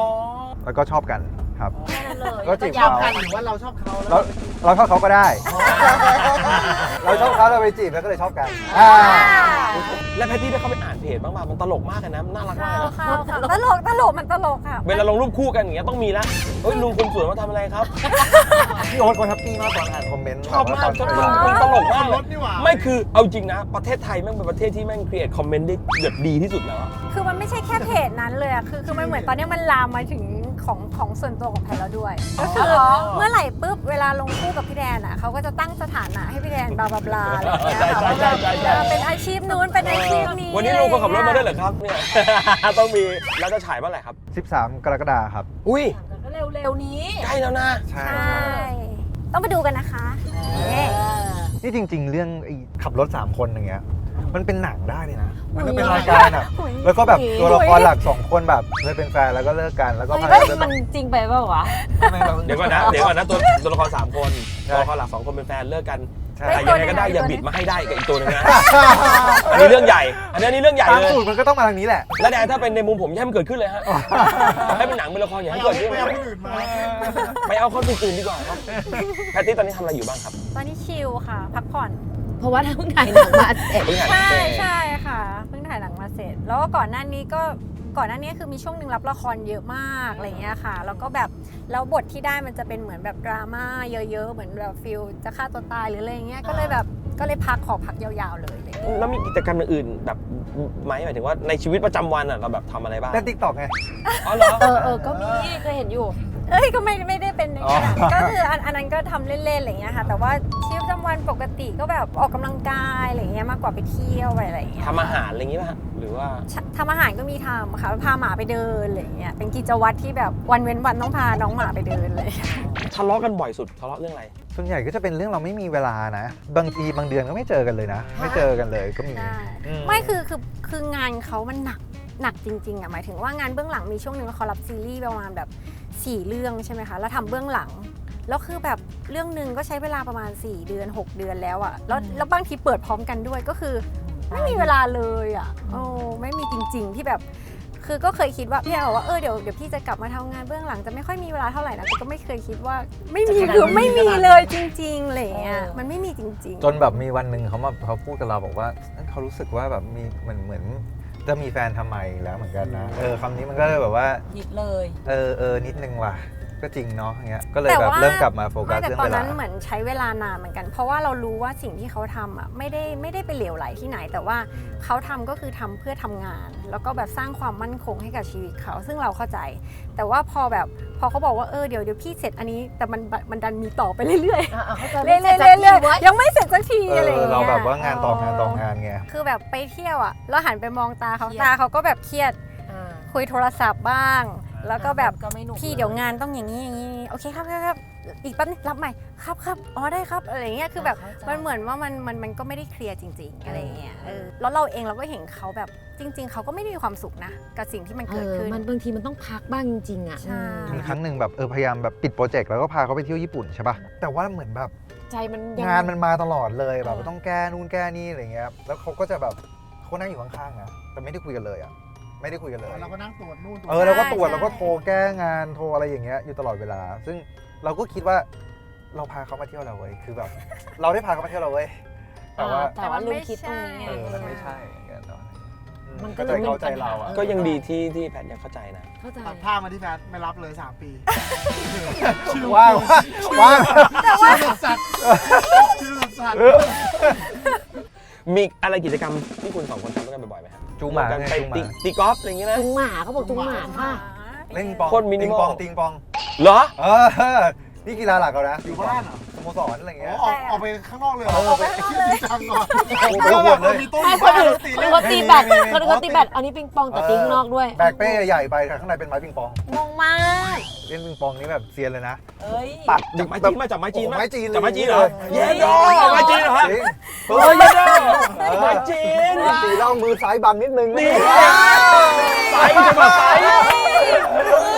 Speaker 4: แล้วก็ชอบกันครับ
Speaker 3: แค่นั้นเลย
Speaker 4: ก็จีบ
Speaker 2: ชอบ
Speaker 4: เขา
Speaker 2: กันหรือว่าเราชอบเขา
Speaker 4: เราเราชอบเขาก็ได้ เราชอบเขาเราไปจีบแล้วก็เลยชอบกันอ่า
Speaker 1: แล้วแพทตี้ได้เข้าไปอ่านเพจบ้างป่ะมันตลกมากเลยนะน่ารักมาก
Speaker 5: ค่ะ
Speaker 1: นะ
Speaker 5: ค่ะตลกตลกมันตลกค่ะ
Speaker 1: เวลาลงรูปคู่กันอย่างเงี้ยต้องมีละเฮ้ยลุงคนสวยมาทำอะไรครับ
Speaker 4: พี่โอ๊ตคนแฮปปี้มากตอนอ่านคอมเมนต์
Speaker 1: ชอบมากชอบ
Speaker 4: ตอน
Speaker 1: มันตลกมาก
Speaker 2: รถนี่หว่า
Speaker 1: ไม่คือเอาจริงนะ ประเทศไทยแม่งเป็นประเทศที่แม่งครีเอทคอมเมนต์ได้แบบดีที่สุดแล้วอะ
Speaker 5: คือมันไม่ใช่แค่เพจนั้นเลยอะคือคือมันเหมือนตอนนี้มันลามมาถึงของของส่วนตัวของแพทแล้วด้วย ก็คือเมื่อไหร่ปุ๊บเวลาลงคู่กับพี่แดนอะเขาก็จะตั้งสถานะให้พี่แดนบลาบลาบลาอะไรอย่างเงี้ย
Speaker 1: ใช่
Speaker 5: ค่ะ
Speaker 1: ใช่ใช่ใช่
Speaker 5: เออเป็นอาชีพนู้นเป็นอาชีพนี้
Speaker 1: วันนี้ลุงคนขับรถมาด้วยเหรอครับเนี่ย ต้องมีแล้วจะฉายเมื่อไหร่ครับ
Speaker 4: สิบสามกรกฎาคมครับ
Speaker 1: อุ้ย
Speaker 3: เร็วๆนี้
Speaker 1: ใกล้แล้วนะ
Speaker 4: ใช่
Speaker 5: ใช่ต้องไปดูกันนะคะเย้
Speaker 4: นี่จริง ๆ เรื่องไอ้ขับรถสามคนอย่างเงี้ยมันเป็นหนังได้เลยนะมันก็เป็นรายการอ่ะแล้วก็แบบตัวละครหลักสองคนแบบเลยเป็นแฟนแล้วก็เลิกกันแล้วก็พา
Speaker 3: เฮ้ย
Speaker 4: เลิก
Speaker 3: มันจริงไปเปล่าวะ
Speaker 1: เดี๋ยวก่อนนะ เดี๋ยวก่อนนะตัวตัวละครสามคนตัวละครหลักสองคนเป็นแฟนเลิกกัน
Speaker 4: ใช่
Speaker 1: แต่ยังไงก็ได้อย่าบิดมาให้ได้กับอีกตัวหนึงนะ อันนี้เรื่องใหญ่ อันนี้เรื่องใหญ่
Speaker 4: ตาม
Speaker 1: เลย
Speaker 4: สูตรมันก็ต้องมาทางนี้แหละ
Speaker 1: แล้วแดนถ้าเป็นในมุมผมอย่าให้มันเกิดขึ้นเลยฮะ ให้เป็นหนังเป็นละครอย่า
Speaker 2: ไม่
Speaker 1: ให้
Speaker 2: เอา
Speaker 1: เกิดขึ้น
Speaker 2: ไม่เอาคนอื่นมา
Speaker 1: ไม่เอาข้ออื่นดีกว่าครับแพตตี้ตอนนี้ทำอะไรอยู่บ้างครับ
Speaker 5: ตอนนี้ชิลค่ะ พักผ่อน
Speaker 3: เพราะว่าเพิ่งถ่ายหนังมาเสร็จ
Speaker 1: เพิ่งหัด
Speaker 5: ใช่
Speaker 1: เต้น
Speaker 5: ใช่ค่ะเพิ่งถ่ายหนังมาเสร็จ แล้วก็ก่อนหน้านี้ก็ก่อนหน้านี้คือมีช่วงหนึ่งรับละครเยอะมากอะไรเงี้ยค่ะ แล้วก็แบบแล้วบทที่ได้มันจะเป็นเหมือนแบบดราม่าเยอะๆเหมือนแบบฟิลจะฆ่าตัวตายหรืออะไรเงี้ยก็เลยแบบก็เลยพักขอพักยาวๆเลยอะไรเงี้ย
Speaker 1: แล้วมีกิจกรรมอื่นๆแบบไหมหมายถึงว่าในชีวิตประจำวันอ่ะเราแบบทำอะไรบ้าง
Speaker 4: เล่นติ๊กต็อกไง
Speaker 1: อ๋อเหรอ
Speaker 3: เออเออก็มีเคยเห็นอยู่
Speaker 5: เอ้ยก็ไม่ไม่ได้เป็นอย่างนั้น
Speaker 4: อ๋อ
Speaker 5: ก็คืออันอันนั้นก็ทำเล่นๆอะไรเงี้ยค่ะ แต่ว่าชีวิตประจำวันปกติก็แบบออกกำลังกายอะไรเงี้ยมากกว่าไปเที่ยวไปอะไรเงี้ย
Speaker 1: ทำอาหารอะไรอย่างงี้ป่ะฮะหรือว่า
Speaker 5: ทำอาหารก็มีทำค่ะพาหมาไปเดินอะไรเงี้ยเป็นกิจวัตรที่แบบวันเว้นวันต้องพาน้องหมาไปเดินเลย
Speaker 1: ทะเลาะกันบ่อยสุดทะเลาะเรื่องอะไร
Speaker 4: ส่วนใหญ่ก็จะเป็นเรื่องเราไม่มีเวลานะ บางทีบางเดือนก็ไม่เจอกันเลยนะ ไม่เจอกันเลยก็มี
Speaker 5: ใช่
Speaker 4: อื
Speaker 5: ไม่คือคือคืองานเขามันหนักหนักจริงๆอ่ะหมายถึงว่างานเบื้องหลังมีช่วงหนึ่งเขารับซีรีส์ประมาณแบบสี่เรื่องใช่ไหมคะแล้วทำเบื้องหลังแล้วคือแบบเรื่องหนึ่งก็ใช้เวลาประมาณสี่เดือนหกเดือนแล้วอ่ะแล้วแล้วบางทีเปิดพร้อมกันด้วยก็คือไม่มีเวลาเลยอ่ะโอ้ไม่มีจริงๆที่แบบคือก็เคยคิดว่าพี่เอาว่าเออเดี๋ยวเดี๋ยวพี่จะกลับมาทำงานเบื้องหลังจะไม่ค่อยมีเวลาเท่าไหร่นะแต่ก็ไม่เคยคิดว่าไม่มีคือไม่มีเลยจริงๆอะไรอย่างเงี้ยมันไม่มีจริงๆ
Speaker 4: จนแบบมีวันหนึ่งเขามาเขาพูดกับเราบอกว่าเขารู้สึกว่าแบบมีเหมือนเหมือนจะมีแฟนทำไมแล้วเหมือนกันนะเออคำนี้มันก็เลยแบบว่า
Speaker 3: ยิดเลย
Speaker 4: เออเออนิดนึงว่ะก็จริงเนาะอย่างเงี้ยก็เลย
Speaker 5: แต่
Speaker 4: แบบ
Speaker 5: ว่า
Speaker 4: เริ่มกลับมาโฟกัส
Speaker 5: ไม่แต่
Speaker 4: เรื่อง
Speaker 5: ตอน
Speaker 4: เวลา
Speaker 5: นั้นเหมือนใช้เวลานานเหมือนกัน เพราะว่าเรารู้ว่าสิ่งที่เขาทำอ่ะไม่ได้ไม่ได้ไปเหลวไหลที่ไหน แต่ว่าเขาทำก็คือทำเพื่อทำงาน แล้วก็แบบสร้างความมั่นคงให้กับชีวิตเขาซึ่งเราเข้าใจ แต่ว่าพอแบบพอเขาบอกว่าเออเดี๋ยวเดี๋ยวพี่เสร็จอันนี้แต่มันมันดันมีต่อไปเรื่อย
Speaker 3: อ่าเขาจะ
Speaker 5: ๆ
Speaker 3: เรื่
Speaker 5: เรื่
Speaker 3: อ
Speaker 5: อย ยๆ
Speaker 3: ๆ
Speaker 5: เรื่อย
Speaker 3: เรื่อย
Speaker 5: ๆยังไม่เสร็จสักที
Speaker 4: เอ
Speaker 5: อะไรอ
Speaker 4: อย่าง
Speaker 5: เงี้ย
Speaker 4: เราแบบว่างานต่องานต่องานไง
Speaker 5: คือแบบไปเที่ยวอ่ะแล้วหันไปมองตาเขาตาเขาก็แบบเครียดคุยโทรศัพท์บ้าง แล้วก็แบบ
Speaker 3: ก็ไม่หนุก
Speaker 5: พี่เดี๋ยวงานต้องอย่างนี้อย่างนี้โอเคครับครับครับอีกแป๊บนึงรับใหม่ครับครับอ๋อได้ครับอะไรอย่างเงี้ยคือแบบมันเหมือนว่ามันมันมันก็ไม่ได้เคลียร์จริงๆอะไรอย่างเงี้ยเออแล้วเราเองเราก็เห็นเขาแบบจริง ๆเขาก็ไม่ได้มีความสุขนะกับสิ่งที่มัน
Speaker 3: เอ
Speaker 5: เกิด
Speaker 3: อ
Speaker 5: ขึ้น
Speaker 3: มันบางทีมันต้องพักบ้างจริงๆอ่ะ
Speaker 5: ใช่
Speaker 4: มีครั้งหนึ่งแบบเออพยายามแบบปิดโปรเจกต์แล้วก็พาเขาไปเที่ยวญี่ปุ่นใช่ป่ะแต่ว่าเหมือนแบบ
Speaker 3: ใจมันยัง
Speaker 4: งานมันมาตลอดเลยแบบ
Speaker 3: เออ
Speaker 4: ต้องแก้นู่นแก้นี่อะไรเงี้ยแล้วเขาก็จะแบบเขานั่งอยู่ข้างๆนะแต่ไม่ได้คุยกันเลยอ่ะไม่ได้คุยกันเลย
Speaker 2: เราก็นั่งตรวจนู่นตรวจ
Speaker 4: เออเราก็ตรวจ
Speaker 5: ใช่
Speaker 4: เราก็โทรแก้งานโทรอะไรอย่างเงี้ยอยู่ตลอดเวลา ซึ่งเราก็คิดว่าเราพาเขามาเที่ยวเราเว้ยคือแบบ เราได้พาเขามาเที่ยวเราเว้ยแต่ว่า
Speaker 3: แต่ว่าลืมคิดตรงนี้ไง
Speaker 4: เออมันไม่ใช่อย่างเงี้ยเนาะอื
Speaker 3: มันก็
Speaker 4: ก็
Speaker 3: เลย
Speaker 4: ใจเข้าใจเราอ่ะ
Speaker 1: ก็ยังดีที่ที่แพทยังเข้าใจนะ
Speaker 3: เข้าใจ
Speaker 2: ตัดผ้ามาที่แฟนไม่รับเลยสามปี
Speaker 4: ว่างว่าง
Speaker 2: ชื่อสัตว์ชื่อสัตว์
Speaker 1: มีอะไรกิจกรรมที่คุณสองคนทำด้วยกันบ่อยๆไหมครับ
Speaker 4: จูงหมา
Speaker 1: กัน
Speaker 4: ไง
Speaker 1: ไป
Speaker 4: จูงห
Speaker 1: ตี
Speaker 4: มา
Speaker 1: ตีกอล์ฟอะไรอย่างเงี้ยนะ
Speaker 3: จุงหมาเขาบอกจุงหมาค่ะ
Speaker 4: เล่นปิงปอง
Speaker 1: โคตรมินิ
Speaker 4: ติง
Speaker 1: มอล
Speaker 4: ปองติงปอง
Speaker 1: เหรอ
Speaker 4: เออนี่กีฬาหลักเรานะ
Speaker 2: อยู่บ้านเหรอ
Speaker 4: สโมสรอะไร
Speaker 2: อ๋
Speaker 4: เงี้
Speaker 2: อย ออกออกไปข้างนอกเลยเหรอ
Speaker 4: เออ
Speaker 2: ออกไปชื่อจริงจังก่อน
Speaker 4: โอ้โหไปหวดเลย
Speaker 2: มีโต๊ะอ
Speaker 3: ไม่
Speaker 2: ยู่
Speaker 3: คน
Speaker 2: บ้าน
Speaker 3: อื่น
Speaker 2: แล้วตี
Speaker 3: คน
Speaker 2: เล่น
Speaker 3: เขาตีแบต
Speaker 4: มีมีมี
Speaker 3: คนเขาตีแบตอันนี้ปิงปองแต่ตีข้างนอกด้วย
Speaker 4: แบกเป้ใหญ่ไปแต่ข้างในเป็นไม้ปิงปอง
Speaker 3: งงมาก
Speaker 4: เล่นปิงปองนี่แบบเซียนเลยนะ
Speaker 3: เอ้ย
Speaker 4: ปัด
Speaker 1: จากไม้จีนมาจากไม้จีน
Speaker 4: โอ้
Speaker 1: มา
Speaker 4: ไม้จีน
Speaker 1: จากไม้จีนเหรอ
Speaker 4: เย้
Speaker 1: เย้โดไม้จีนเหรอฮะ
Speaker 4: จริง
Speaker 1: เฮ้ยเย้โดไม้จีน
Speaker 4: ตีเล่ามือซ้ายบังนิดนึง
Speaker 1: นี่ใส่จะมาใส่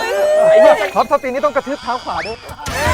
Speaker 1: ไอ้เหี้ย
Speaker 4: ท็อปสปีนนี่ต้องกระทืบเท้าขวาด้วย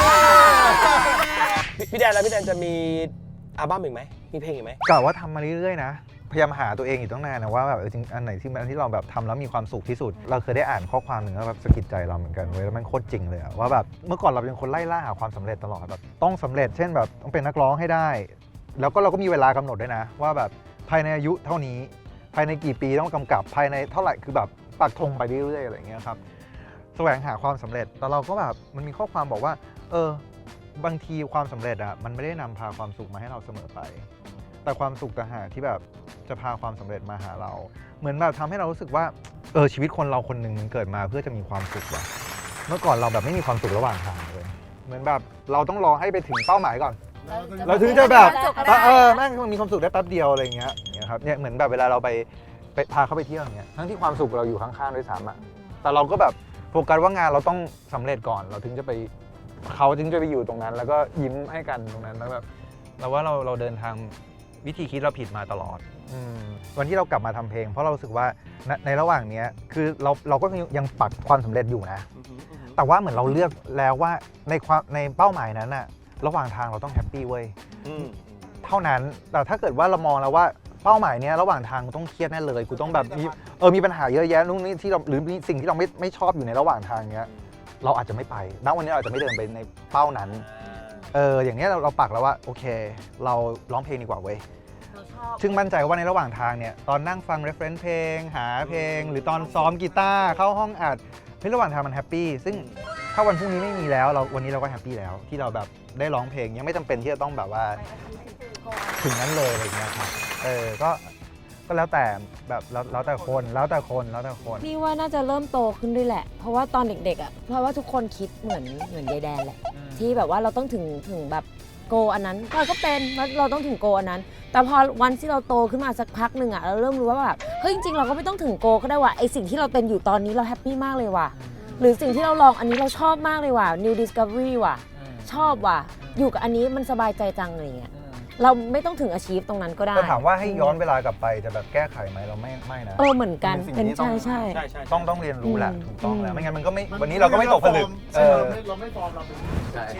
Speaker 1: พี่พี่แดนแล้วพี่แดนจะมีอัลบั้มอีกไหมมีเพลงอีกไหม
Speaker 4: กะว่าทำมาเรื่อยๆนะพยายามหาตัวเองอยู่ตั้งนานนะว่าแบบเออจริงอันไหนที่มันที่เราแบบทำแล้วมีความสุขที่สุด เราเคยได้อ่านข้อความหนึ่งแล้วแบบสะกิดใจเราเหมือนกันเว้ยแล้วมันโคตรจริงเลยอะว่าแบบเมื่อก่อนเราเป็นคนไล่ล่าหาความสำเร็จตลอดแบบต้องสำเร็จเช่นแบบต้องเป็นนักร้องให้ได้ แล้วก็เราก็มีเวลากำหนดด้วยนะว่าแบบภายในอายุเท่านี้ภายในกี่ปีต้องกำกับภายในเท่าไหร่คือแบบปักธงไปเรื่อยๆอะไรอย่างเงี้ยครับแสวงหาความสำเร็จแต่เราก็แบบมันมีข้อความบอกว่าเออบางทีความสำเร็จอะมันไม่ได้นำพาความสุขมาให้เราเสมอไป แต่ความสุขต่างหากที่แบบจะพาความสำเร็จมาหาเรา เหมือนแบบทำให้เรารู้สึกว่าเออชีวิตคนเราคนหนึ่งมันเกิดมาเพื่อจะมีความสุขว่ะเมื่อก่อนเราแบบไม่มีความสุขระหว่างทางเลยเหมือนแบบเราต้องรอให้ไปถึงเป้าหมายก่อน เราถึงจะแบบเออแม่งมีความสุขได้แป๊บเดียวอะไรอย่างเงี้ยเนี่ยครับเนี่ยเหมือนแบบเวลาเราไปไปพาเขาไปเที่ยวอย่างเงี้ยทั้งที่ความสุขเราอยู่ข้างๆด้วยซ้ำอะแต่เราก็แบบโฟกัสว่างานเราต้องสำเร็จก่อนเราถึงจะไปเขาถึงจะไปอยู่ตรงนั้น แล้วก็ยิ้มให้กันตรงนั้นแล้วแบบเราว่าเราเราเดินทางวิธีคิดเราผิดมาตลอดอมวันที่เรากลับมาทำเพลงเพราะเรารู้สึกว่าในในระหว่างนี้คือเราเราก็ยังปักความสำเร็จอยู่นะแต่ว่าเหมือนเราเลือกแล้วว่าในความในเป้าหมายนั้นอะระหว่างทางเราต้องแฮปปี้เว้ยเท่านั้นแต่ถ้าเกิดว่าเรามองแล้วว่าเป้าหมายเนี้ยระหว่างทางกูต้องเครียดแน่เลยกูต้องแบบมีเออมีปัญหาเยอะแยะนู่นนี่ที่เราหรือมีสิ่งที่เราไม่ไม่ชอบอยู่ในระหว่างทางเนี้ยเราอาจจะไม่ไปณวันนี้เราอาจจะไม่เดินไปในเป้านั้นเอออย่างนี้เราเราปักแล้วว่าโอเคเราร้องเพลงดีกว่าเว้ยซึ่งมั่นใจว่าในระหว่างทางเนี่ยตอนนั่งฟัง reference เพลงหาเพลงหรือตอนซ้อมกีตาร์เข้าห้องอัดเฮ้ยระหว่างทางมันแฮปปี้ซึ่งถ้าวันพรุ่งนี้ไม่มีแล้วเราวันนี้เราก็แฮปปี้แล้วที่เราแบบได้ร้องเพลงยังไม่จำเป็นที่จะต้องแบบว่าถึงนั้นเลยอะไรอย่างเงี้ยครับเออก็ก็แล้วแต่แบบแล้วแล้วแต่คนแล้วแต่คนแล้วแต่คน
Speaker 3: นี่ว่าน่าจะเริ่มโตขึ้นด้วยแหละ เพราะว่าตอนเด็กๆอ่ะเพราะว่าทุกคนคิดเหมือนเหมือนยายแดนแหละที่แบบว่าเราต้องถึงถึงแบบโกอันนั้นเราก็เป็นว่าเราต้องถึงโกอันนั้น แต่พอวันที่เราโตขึ้นมาสักพักหนึ่งอ่ะเราเริ่มรู้ว่าแบบเฮ้ยจริงๆเราก็ไม่ต้องถึงโกก็ได้ว่ะไอสิ่งที่เราเป็นอยู่ตอนนี้เราแฮปปี้มากเลยว่ะหรือสิ่งที่เราลองอันนี้เราชอบมากเลยว่ะ new discovery ว่ะชอบว่ะอยู่กับอันนี้มันสบายใจจังอะไรเงี้ยเราไม่ต้องถึงอาชีพตรงนั้นก็ได้
Speaker 4: แต่ถามว่าให้ย้อนเวลากลับไปจะแบบแก้ไขไหมเราไม่ไม่นะ
Speaker 3: เออเหมือนกัน
Speaker 4: เป็
Speaker 3: เป็น น
Speaker 4: สิ่งที่
Speaker 3: ใช่
Speaker 4: ต้อง
Speaker 3: ใช่
Speaker 4: ต้องต้องเรียนรู้แหละ
Speaker 3: อืม
Speaker 4: ถูกต้องแล้ว
Speaker 3: อืม
Speaker 4: ไม่งั้นมันก็ไม่วันนี้เราก็ไม่ตกผลึกเออ
Speaker 2: เราไม่ฟอร์มเราเป็น
Speaker 4: ใช่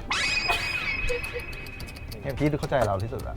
Speaker 4: เนี่ยพี่เข้าใจเราที่สุดละ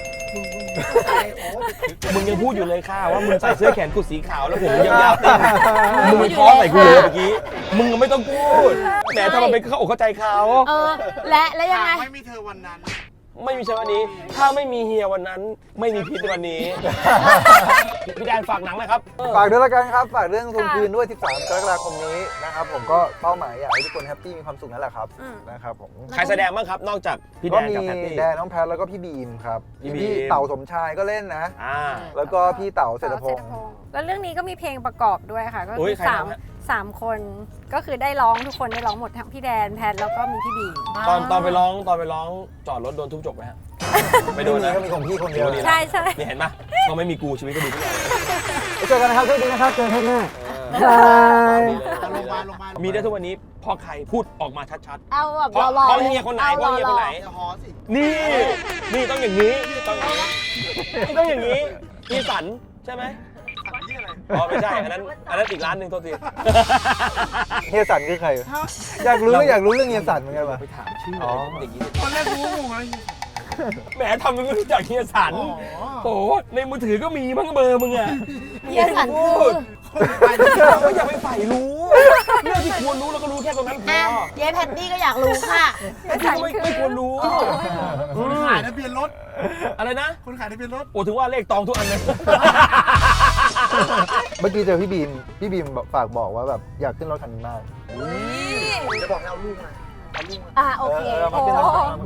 Speaker 1: มึงยังพูดอยู่เลยค่ะว่ามึงใส่เสื้อแขนกุดสีขาวแล้วผมยาวๆเต็มมึงไปท้อใส่กูเลยเมื่อกี้มึงไม่ต้องพูดแหมทำไมเป็นเข้าอกเข้าใจเขา
Speaker 3: เออและและยังไง
Speaker 2: ไม่มีเธอวันนั้น
Speaker 1: ไม่มีเช้าวันนี้ ถ้าไม่มีเฮียวันนั้น ไม่มีพิษในวันนี้ พี่แดนฝากหนังนะครับ
Speaker 4: ฝากด้วยละกันครับฝากเรื่องทวงคืนด้วยสิบสามกรกฎาคมนี้นะครับผมก็เป้าหมายอยากให้ทุกคนแฮปปี้มีความสุขนั่นแหละครับนะครับผม
Speaker 1: ใครแสดงบ้างครับ นอกจากพี่แด
Speaker 4: ก็
Speaker 1: น
Speaker 4: มี
Speaker 1: กับแพตตี้
Speaker 4: แดนน้องแพทแล้วก็พี่บีมครับ
Speaker 1: พี่บีม
Speaker 4: พี่เต่าสมชายก็เล่นนะ
Speaker 1: อ่า
Speaker 4: แล้วก็พี่เต่าเศรษฐพงศ์
Speaker 5: แล้วเรื่องนี้ก็มีเพลงประกอบด้วยค่ะ ก็
Speaker 1: อุ๊
Speaker 5: คื
Speaker 1: ย
Speaker 5: อ
Speaker 1: ใคร
Speaker 5: สาม
Speaker 1: ทำฮะ
Speaker 5: สามคนก็คือได้ร้องทุกคนได้ร้องหมดทั้งพี่แดนแพทแล้วก็มีพี่บีม
Speaker 1: ตอนตอนไปร้องตอนไปร้องจอดรถโดนทุบจบไหมฮะไม่โดนนะ
Speaker 4: ก็มีของพี่คนเดียว
Speaker 1: ดีนะ
Speaker 5: ใช่ใช่
Speaker 1: นี่เห็นปะพอไม่มีกูชีวิตก็ดีขึ้นเลย
Speaker 4: เจอกันนะครับสวัสดีนะครับเจอกันหน้า
Speaker 1: เออ
Speaker 2: ลงมาลงมา
Speaker 1: มีได้ทุกวันนี้เพ่อใครพูดออกมาชัด
Speaker 3: เอาแบบ
Speaker 1: ๆเพราะ
Speaker 3: รอๆ
Speaker 1: เพราะเฮียคนไหนเพราะเฮียคนไหน
Speaker 2: อย่าหอสิ
Speaker 1: นี่ นี่ต้องอย่างนี้ต้องอย่างนี้นี่ต้องอย่างนี้อีสันใช่ไหมอ๋อไม่ใช่อันนั้นอันนั้นอีกร้านหนึ่งโทษที
Speaker 4: เฮียสันคือใคร อยากรู้อยากรู้เรื่องเฮียสันเหมือนกันป่ะ
Speaker 1: ไปถามชื่อ
Speaker 4: อ๋อ
Speaker 1: อย่างนี้
Speaker 2: ตอนแรกรู้งงเลย
Speaker 1: แหมทำเป็นไม่รู้จักเฮียสัน
Speaker 2: อ๋อ
Speaker 1: โอ้โหในมือถือก็มีมั้งเบอร์มึงอะ
Speaker 3: เฮียสันคือ
Speaker 1: เราก็อย่าไปใฝ่รู้เรื่องที่ควรรู้เราก็รู้แค่ตรงนั้นพ
Speaker 3: อ่ะ
Speaker 1: อ
Speaker 3: เย้แพตตี้ก็อยากรู้ค่ะ
Speaker 1: ที่ก็ไม่ไม่ควรรู้
Speaker 2: คนขายทะเบียนรถ
Speaker 1: อะไรนะ
Speaker 2: คนขายทะเบียนรถ
Speaker 1: โอ้ถึงว่าเลขตองทุกอันเลย
Speaker 4: เมื่อกี้เจอพี่บีมพี่บีมฝากบอกว่าแบบอยากขึ้นรถคันนี้มาก
Speaker 2: จะบอกให้เอาลูกมาเอาลูกมา
Speaker 3: อ่ะโอเค
Speaker 4: เออมาขึ้นรถคันนี้